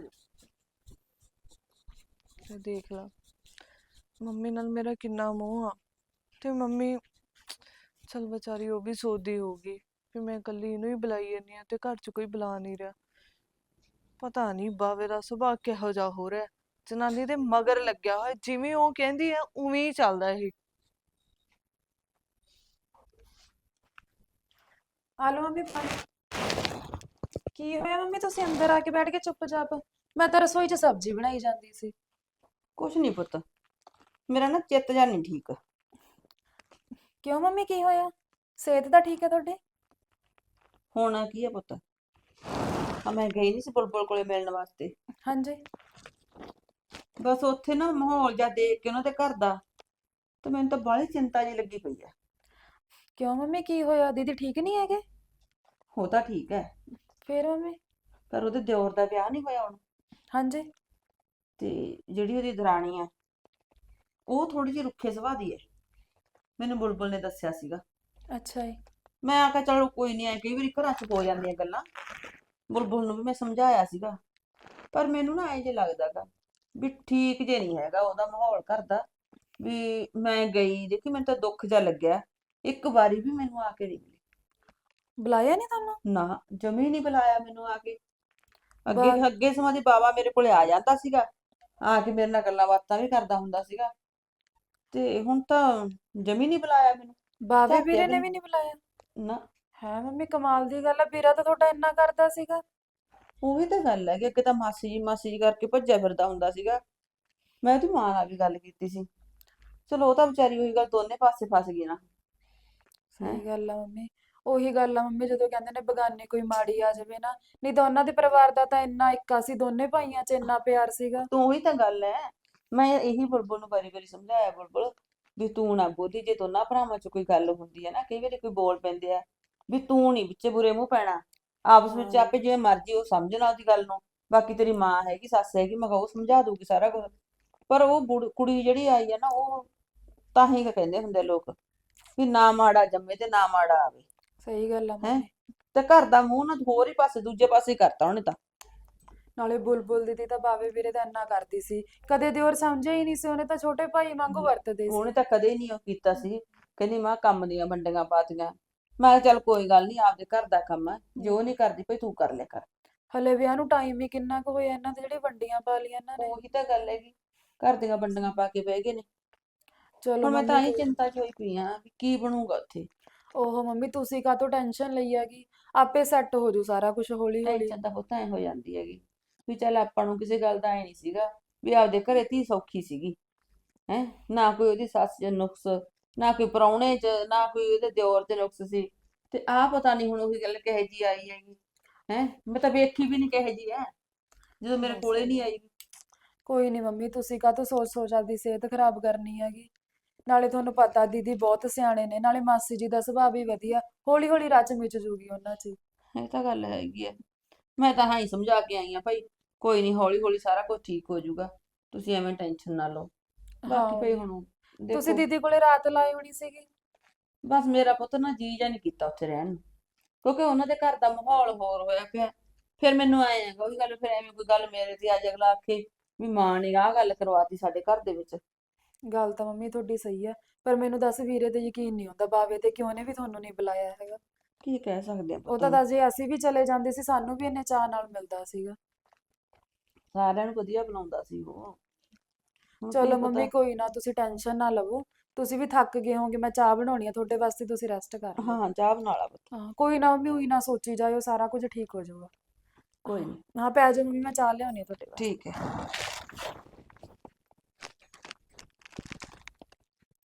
ਤੇ ਦੇਖ ਲਾ ਮੰਮੀ ਨਾਲ ਮੇਰਾ ਕਿੰਨਾ ਮੋਹ ਆ, ਤੇ ਮੰਮੀ ਚਲ ਵਿਚਾਰੀ ਉਹ ਵੀ ਸੋਚਦੀ ਹੋਊਗੀ ਵੀ ਮੈਂ ਇਕੱਲੀ ਇਹਨੂੰ ਹੀ ਬੁਲਾਈ ਜਾਂਦੀ ਆ ਤੇ ਘਰ 'ਚ ਕੋਈ ਬੁਲਾ ਨਹੀਂ ਰਿਹਾ। ਪਤਾ ਨਹੀਂ ਬਾਵੇ ਦਾ ਸੁਭਾਅ ਕਿਹੋ ਜਿਹਾ ਹੋ ਰਿਹਾ, ਜਨਾਨੀ ਦੇ ਮਗਰ ਲੱਗਿਆ ਹੋਇਆ, ਜਿਵੇਂ ਉਹ ਕਹਿੰਦੀ ਆ ਉਵੇਂ ਹੀ ਚੱਲਦਾ ਇਹ।
ਆ ਲਓ ਮੰਮੀ ਪਾਣੀ। ਕੀ ਹੋਇਆ ਮੰਮੀ, ਤੁਸੀਂ ਅੰਦਰ ਆ ਕੇ ਬੈਠ ਕੇ ਚੁੱਪਚਾਪ? ਮੈਂ ਤਾਂ ਰਸੋਈ 'ਚ ਸਬਜ਼ੀ ਬਣਾਈ ਜਾਂਦੀ ਸੀ।
ਕੁਛ ਨਹੀਂ ਪੁੱਤ, ਮੇਰਾ ਨਾ ਚਿੱਤ ਜਾ ਨਹੀਂ ਠੀਕ।
ਕਿਉਂ ਮੰਮੀ, ਕੀ ਹੋਇਆ? ਸਿਹਤ ਤਾਂ ਠੀਕ ਹੈ ਤੁਹਾਡੀ?
ਹੋਣਾ ਕੀ ਹੈ ਪੁੱਤ, ਆ ਮੈਂ ਗਈ ਨਹੀਂ ਸੀ ਬੁਲਬੁਲ ਕੋਲੇ ਮਿਲਣ ਵਾਸਤੇ।
ਹਾਂਜੀ।
ਬਸ ਉੱਥੇ ਨਾ ਮਾਹੌਲ ਜਿਹਾ ਦੇਖ ਕੇ ਉਹਨਾਂ ਦੇ ਘਰ ਦਾ, ਤੇ ਮੈਨੂੰ ਤਾਂ ਬਾਹਲੀ ਚਿੰਤਾ ਜਿਹੀ ਲੱਗੀ ਪਈ ਆ।
ਕਿਉਂ ਮੰਮੀ, ਕੀ ਹੋਇਆ? ਦੀਦੀ ਠੀਕ ਨਹੀਂ ਹੈਗੇ?
ਹੋ ਤਾਂ ਠੀਕ ਹੈ,
ਫੇਰ ਮੰਮੀ?
ਪਰ ਉਹਦੇ ਦਿਓਰ ਦਾ ਵਿਆਹ ਨਹੀਂ ਹੋਇਆ ਹੁਣ।
ਹਾਂਜੀ।
ਤੇ ਜਿਹੜੀ ਉਹਦੀ ਦਰਾਣੀ ਆ, ਉਹ ਥੋੜੀ ਜਿਹੀ ਰੁੱਖੇ ਸੁਭਾਅ ਦੀ ਹੈ, ਮੈਨੂੰ ਬੁਲਬੁਲ ਨੇ ਦੱਸਿਆ ਸੀਗਾ।
ਅੱਛਾ ਜੀ।
ਮੈਂ ਆਖਿਆ ਚਲੋ ਕੋਈ ਨਹੀਂ, ਐ ਕਈ ਵਾਰੀ ਘਰਾਂ 'ਚ ਹੋ ਜਾਂਦੀਆਂ ਗੱਲਾਂ। ਬੁਲਬੁਲ ਨੂੰ ਵੀ ਮੈਂ ਸਮਝਾਇਆ ਸੀਗਾ, ਪਰ ਮੈਨੂੰ ਨਾ ਐ ਜੇ ਲੱਗਦਾ ਗਾ ਵੀ ਠੀਕ ਜੇ ਨਹੀਂ ਹੈਗਾ ਉਹਦਾ ਮਾਹੌਲ ਘਰ ਦਾ। ਵੀ ਮੈਂ ਗਈ ਦੇਖੀ, ਮੈਨੂੰ ਤਾਂ ਦੁੱਖ ਜਿਹਾ ਲੱਗਿਆ, ਇੱਕ ਵਾਰੀ ਵੀ ਮੈਨੂੰ ਆ ਕੇ ਨਹੀਂ ਮਿਲੀ।
ਬੁਲਾਇਆ ਨਹੀਂ ਤੁਹਾਨੂੰ?
ਨਾ, ਜਮੀ ਨਹੀਂ ਬੁਲਾਇਆ ਮੈਨੂੰ ਆ ਕੇ। ਅੱਗੇ
ਬਾ-
ਅੱਗੇ ਸਮਾਂ ਦੀ ਬਾਵਾ ਮੇਰੇ ਕੋਲੇ ਆ ਜਾਂਦਾ ਸੀਗਾ, ਆ ਕੇ ਮੇਰੇ ਨਾਲ ਗੱਲਾਂ ਬਾਤਾਂ ਵੀ ਕਰਦਾ ਹੁੰਦਾ ਸੀਗਾ, ਤੇ ਹੁਣ ਤਾਂ ਜਮੀ ਨਹੀਂ ਬੁਲਾਇਆ ਮੈਨੂੰ।
ਬਾਵੇ
ਝਾਕਿਆ
ਵੀਰੇ
ਵੀ
ਨੇ
ਨੀ।
ਵੀ ਨਹੀਂ ਬੁਲਾਇਆ?
ਨਾ,
ਹੈ ਮੰਮੀ, ਕਮਾਲ ਦੀ ਗੱਲ ਆ। ਵੀਰਾ ਤਾਂ ਤੁਹਾਡਾ ਇੰਨਾ ਕਰਦਾ ਸੀਗਾ।
ਉਹੀ ਤਾਂ ਗੱਲ ਹੈ ਕਿ ਅੱਗੇ ਤਾਂ ਮਾਸੀ ਜੀ ਮਾਸੀ ਜੀ ਕਰਕੇ ਭੱਜਿਆ ਫਿਰਦਾ ਹੁੰਦਾ ਸੀਗਾ। ਮੈਂ ਉਹਦੀ ਮਾਂ ਨਾਲ ਵੀ ਗੱਲ ਕੀਤੀ ਸੀ, ਚਲੋ ਉਹ ਤਾਂ ਵਿਚਾਰੀ ਉਹੀ ਗੱਲ ਦੋਨੇ ਪਾਸੇ ਫਸ ਗਈ ਨਾ। ਹੈਂ।
ਸਹੀ ਗੱਲ ਆ ਮੰਮੀ। ਉਹੀ ਗੱਲ ਆ ਮੰਮੀ, ਜਦੋਂ ਕਹਿੰਦੇ ਨੇ ਬਗਾਨੇ ਕੋਈ ਮਾੜੀ ਆ ਜਾਵੇ ਨਾ, ਨਹੀਂ ਤਾਂ ਉਹਨਾਂ ਦੇ ਪਰਿਵਾਰ ਦਾ ਤਾਂ ਇੰਨਾ ਇੱਕਾ ਸੀ, ਦੋਨੇ ਭਾਈਆਂ 'ਚ ਇੰਨਾ ਪਿਆਰ ਸੀਗਾ।
ਤੂੰ ਉਹੀ ਤਾਂ ਗੱਲ ਹੈ, ਮੈਂ ਇਹੀ ਬੁਲਬੁਲ ਨੂੰ ਵਾਰੀ ਵਾਰੀ ਸਮਝਾਇਆ, ਬੁਲਬੁਲ ਵੀ ਤੂੰ ਨਾ ਬੋਲੀ, ਜੇ ਦੋਨਾਂ ਭਰਾਵਾਂ 'ਚ ਕੋਈ ਗੱਲ ਹੁੰਦੀ ਹੈ ਨਾ, ਕਈ ਵਾਰੀ ਕੋਈ ਬੋਲ ਪੈਂਦੇ ਆ, ਵੀ ਤੂੰ ਨਹੀਂ ਵਿੱਚ ਬੁਰੇ ਮੂੰਹ ਪੈਣਾ, ਆਪਸ ਵਿੱਚ
ਹਾਂ
ਆਪੇ ਜਿਵੇਂ ਮਰਜ਼ੀ ਉਹ ਸਮਝਣਾ ਉਹਦੀ ਗੱਲ ਨੂੰ। ਬਾਕੀ ਤੇਰੀ ਮਾਂ ਹੈਗੀ, ਸੱਸ ਹੈਗੀ, ਮੈਂ ਕਿਹਾ ਉਹ ਸਮਝਾ ਦੂਗੀ ਸਾਰਾ ਕੁਝ। ਪਰ ਉਹ ਬੁੜ- ਕੁੜੀ ਜਿਹੜੀ ਆਈ ਹੈ ਨਾ, ਉਹ ਤਾਂ ਹੀ ਕਹਿੰਦੇ ਹੁੰਦੇ ਲੋਕ ਵੀ ਨਾ ਮਾੜਾ ਜੰਮੇ ਤੇ ਨਾ ਮਾੜਾ ਆਵੇ।
ਸਹੀ ਗੱਲ ਆ
ਹੈ,
ਮੰਮੀ।
ਤੇ ਘਰ ਦਾ ਮੂੰਹ ਨਾ ਹੋਰ ਹੀ ਪਾਸੇ ਦੂਜੇ ਪਾਸੇ ਹੀ ਕਰਤਾ ਉਹਨੇ ਤਾਂ।
ਨਾਲੇ ਬੁਲਬੁਲ ਦੀਦੀ ਤਾਂ ਬਾਵੇ ਵੀਰੇ ਦਾ ਇੰਨਾ ਕਰਦੀ ਸੀ, ਕਦੇ ਦਿਓਰ ਸਮਝਿਆ ਹੀ ਨਹੀਂ ਸੀ, ਉਹਨੇ ਤਾਂ ਛੋਟੇ ਭਾਈ ਵਾਂਗੂ ਵਰਤਦੇ
ਉਹਨੇ
ਸੀ।
ਤਾਂ ਕਦੇ ਨਹੀਂ ਉਹ ਕੀਤਾ ਸੀ, ਕਹਿੰਦੀ ਮਾਂ ਕੰਮ ਦੀਆਂ ਵੰਡੀਆਂ ਪਾਤੀਆਂ। ਮੈਂ ਕਿਹਾ ਚੱਲ ਕੋਈ ਗੱਲ ਨਹੀਂ, ਆਪਦੇ ਘਰ ਦਾ ਕੰਮ ਹੈ, ਜੇ ਉਹ ਨਹੀਂ ਕਰਦੀ ਭਈ ਤੂੰ ਕਰ ਲਿਆ ਕਰ।
ਹਲੇ ਵਿਆਹ ਨੂੰ ਟਾਈਮ ਹੀ ਕਿੰਨਾ ਕੁ ਹੋਇਆ, ਇਹਨਾਂ ਦੇ ਜਿਹੜੇ ਵੰਡੀਆਂ ਪਾ ਲਈਆਂ ਇਹਨਾਂ ਨੇ।
ਉਹੀ ਤਾਂ ਗੱਲ ਹੈਗੀ, ਘਰ ਦੀਆਂ ਵੰਡੀਆਂ ਪਾ ਕੇ ਬਹਿ ਗਏ ਨੇ।
ਚਲੋ
ਹੁਣ ਮੈਂ ਤਾਂ
ਮੰਮੀ
ਹੀ
ਕੋਈ-
ਚਿੰਤਾ ਚ ਹੋਈ ਪਈ ਆ ਵੀ ਕੀ ਬਣੂਗਾ ਉੱਥੇ।
ਓਹੋ ਮੰਮੀ, ਤੁਸੀਂ ਕਾਹਤੋਂ ਟੈਨਸ਼ਨ ਲਈ ਹੈਗੀ? ਆਪੇ ਸੈੱਟ ਹੋ ਜੂ ਸਾਰਾ ਕੁਝ ਹੌਲੀ ਹੌਲੀ।
ਟੈਨਸ਼ਨ ਤਾਂ ਪੁੱਤ ਐ ਹੋ ਜਾਂਦੀ ਹੈਗੀ ਵੀ ਚੱਲ ਆਪਾਂ ਨੂੰ ਕਿਸੇ ਗੱਲ ਦਾ ਐ ਨਹੀਂ ਸੀਗਾ ਵੀ ਆਪਦੇ ਘਰੇ ਧੀ ਸੌਖੀ ਸੀਗੀ। ਹੈ, ਨਾ ਕੋਈ ਉਹਦੀ ਸੱਸ 'ਚ ਨੁਕਸ, ਨਾ ਕੋਈ ਪ੍ਰਾਹੁਣੇ 'ਚ, ਨਾ ਕੋਈ ਉਹਦੇ ਦਿਓਰ 'ਚ ਨੁਕਸ ਸੀ। ਤੇ ਆਹ ਪਤਾ ਨਹੀਂ ਹੁਣ ਉਹੀ ਗੱਲ ਕਿਹੋ ਜੀ ਆਈ ਹੈਗੀ। ਹੈ, ਮੈਂ ਤਾਂ ਵੇਖੀ ਵੀ ਨਹੀਂ ਕਿਹੋ ਜੀ ਹੈ ਜਦੋਂ ਮੇਰੇ
ਨਹੀਂ
ਕੋਲੇ ਨਹੀਂ
ਸਹੀ।
ਆਈ।
ਕੋਈ ਨਹੀਂ ਮੰਮੀ, ਤੁਸੀਂ ਕਾਹਤੋਂ ਸੋਚ ਸੋਚ ਆਪਦੀ ਸਿਹਤ ਖਰਾਬ ਕਰਨੀ ਹੈਗੀ? ਨਾਲੇ ਤੁਹਾਨੂੰ ਪਤਾ ਦੀਦੀ ਬਹੁਤ ਸਿਆਣੇ ਨੇ, ਨਾਲੇ ਮਾਸੀ ਜੀ ਦਾ ਸੁਭਾਅ ਵੀ ਵਧੀਆ, ਹੌਲੀ ਹੌਲੀ ਰਚ ਮਿਚ ਜੂਗੀ ਉਹਨਾਂ 'ਚ ਹੀ।
ਇਹ ਤਾਂ ਗੱਲ ਹੈਗੀ ਹੈ, ਮੈਂ ਤਾਂ ਹਾਂ ਹੀ ਸਮਝਾ ਕੇ ਆਈ ਆ ਭਾਈ, ਕੋਈ ਨਹੀਂ ਹੌਲੀ ਹੌਲੀ ਸਾਰਾ ਕੁਝ ਠੀਕ ਹੋ ਜਾਊਗਾ, ਤੁਸੀਂ ਐਵੇਂ ਟੈਨਸ਼ਨ ਨਾ ਲਓ।
ਹਾਂ
ਬਾਕੀ ਭਈ
ਮੰਮੀ।
ਹੁਣ
ਤੁਸੀਂ
ਦੇਖੋ,
ਦੀਦੀ ਕੋਲੇ ਰਾਤ ਲਾਈ ਹੋਣੀ ਸੀਗੀ?
ਬਸ ਮੇਰਾ ਪੁੱਤ ਨਾ ਜੀ ਜਾ ਨਹੀਂ ਕੀਤਾ ਉੱਥੇ ਰਹਿਣ ਨੂੰ, ਕਿਉਂਕਿ ਉਹਨਾਂ ਦੇ ਘਰ ਦਾ ਮਾਹੌਲ ਹੋਰ ਹੋਇਆ ਪਿਆ। ਫਿਰ ਮੈਨੂੰ ਆਏ ਹੈਗਾ ਉਹੀ ਗੱਲ, ਫਿਰ ਐਵੇਂ ਕੋਈ ਗੱਲ ਮੇਰੇ ਤੇ ਅੱਜ ਅਗਲਾ ਆਖੇ ਵੀ ਮਾਂ ਨੇ ਆਹ ਗੱਲ ਕਰਵਾਤੀ ਸਾਡੇ ਘਰ ਦੇ ਵਿੱਚ।
ਗੱਲ ਤਾਂ ਮੰਮੀ ਤੁਹਾਡੀ ਸਹੀ ਹੈ, ਪਰ ਮੈਨੂੰ ਦੱਸ ਵੀਰੇ ਤੇ ਯਕੀਨ ਨਹੀਂ ਹੁੰਦਾ ਬਾਵੇ ਤੇ, ਕਿਉਂ ਨੇ ਵੀ ਤੁਹਾਨੂੰ ਨਹੀਂ ਬੁਲਾਇਆ ਹੈਗਾ?
ਕੀ ਕਹਿ ਸਕਦੇ ਆ
ਉਹ
ਪੁੱਤ
ਤਾਂ
ਹੁਣ।
ਦੱਸ, ਜੇ ਅਸੀਂ ਵੀ ਚਲੇ ਜਾਂਦੇ ਸੀ ਸਾਨੂੰ ਵੀ ਇੰਨੇ ਚਾਅ ਨਾਲ ਮਿਲਦਾ ਸੀਗਾ।
ਸਾਰਿਆਂ ਨੂੰ ਵਧੀਆ ਬਣਾਉਂਦਾ ਸੀ ਉਹ। ਹੁਣ ਕੀ
ਚਲੋ
ਪਤਾ।
ਮੰਮੀ ਕੋਈ ਨਾ, ਤੁਸੀਂ ਟੈਨਸ਼ਨ ਨਾ ਲਵੋ। ਤੁਸੀਂ ਵੀ ਥੱਕ ਗਏ ਹੋਗੇ, ਮੈਂ ਚਾਹ ਬਣਾਉਣੀ ਆ ਤੁਹਾਡੇ ਵਾਸਤੇ, ਤੁਸੀਂ ਰੈਸਟ ਕਰ ਲਓ।
ਹਾਂ, ਚਾਹ ਬਣਾ ਲਾ ਪੁੱਤ।
ਹਾਂ ਕੋਈ ਨਾ ਮੰਮੀ, ਉਹੀ ਨਾ ਸੋਚੀ ਜਾਇਓ, ਸਾਰਾ ਕੁਝ ਠੀਕ ਹੋ ਜਾਊਗਾ।
ਕੋਈ ਨਹੀਂ,
ਹਾਂ ਪੈ ਜਾਓ ਮੰਮੀ, ਮੈਂ ਚਾਹ ਲਿਆਉਣੀ ਆ ਤੁਹਾਡੇ ਵਾਸਤੇ।
ਠੀਕ ਹੈ।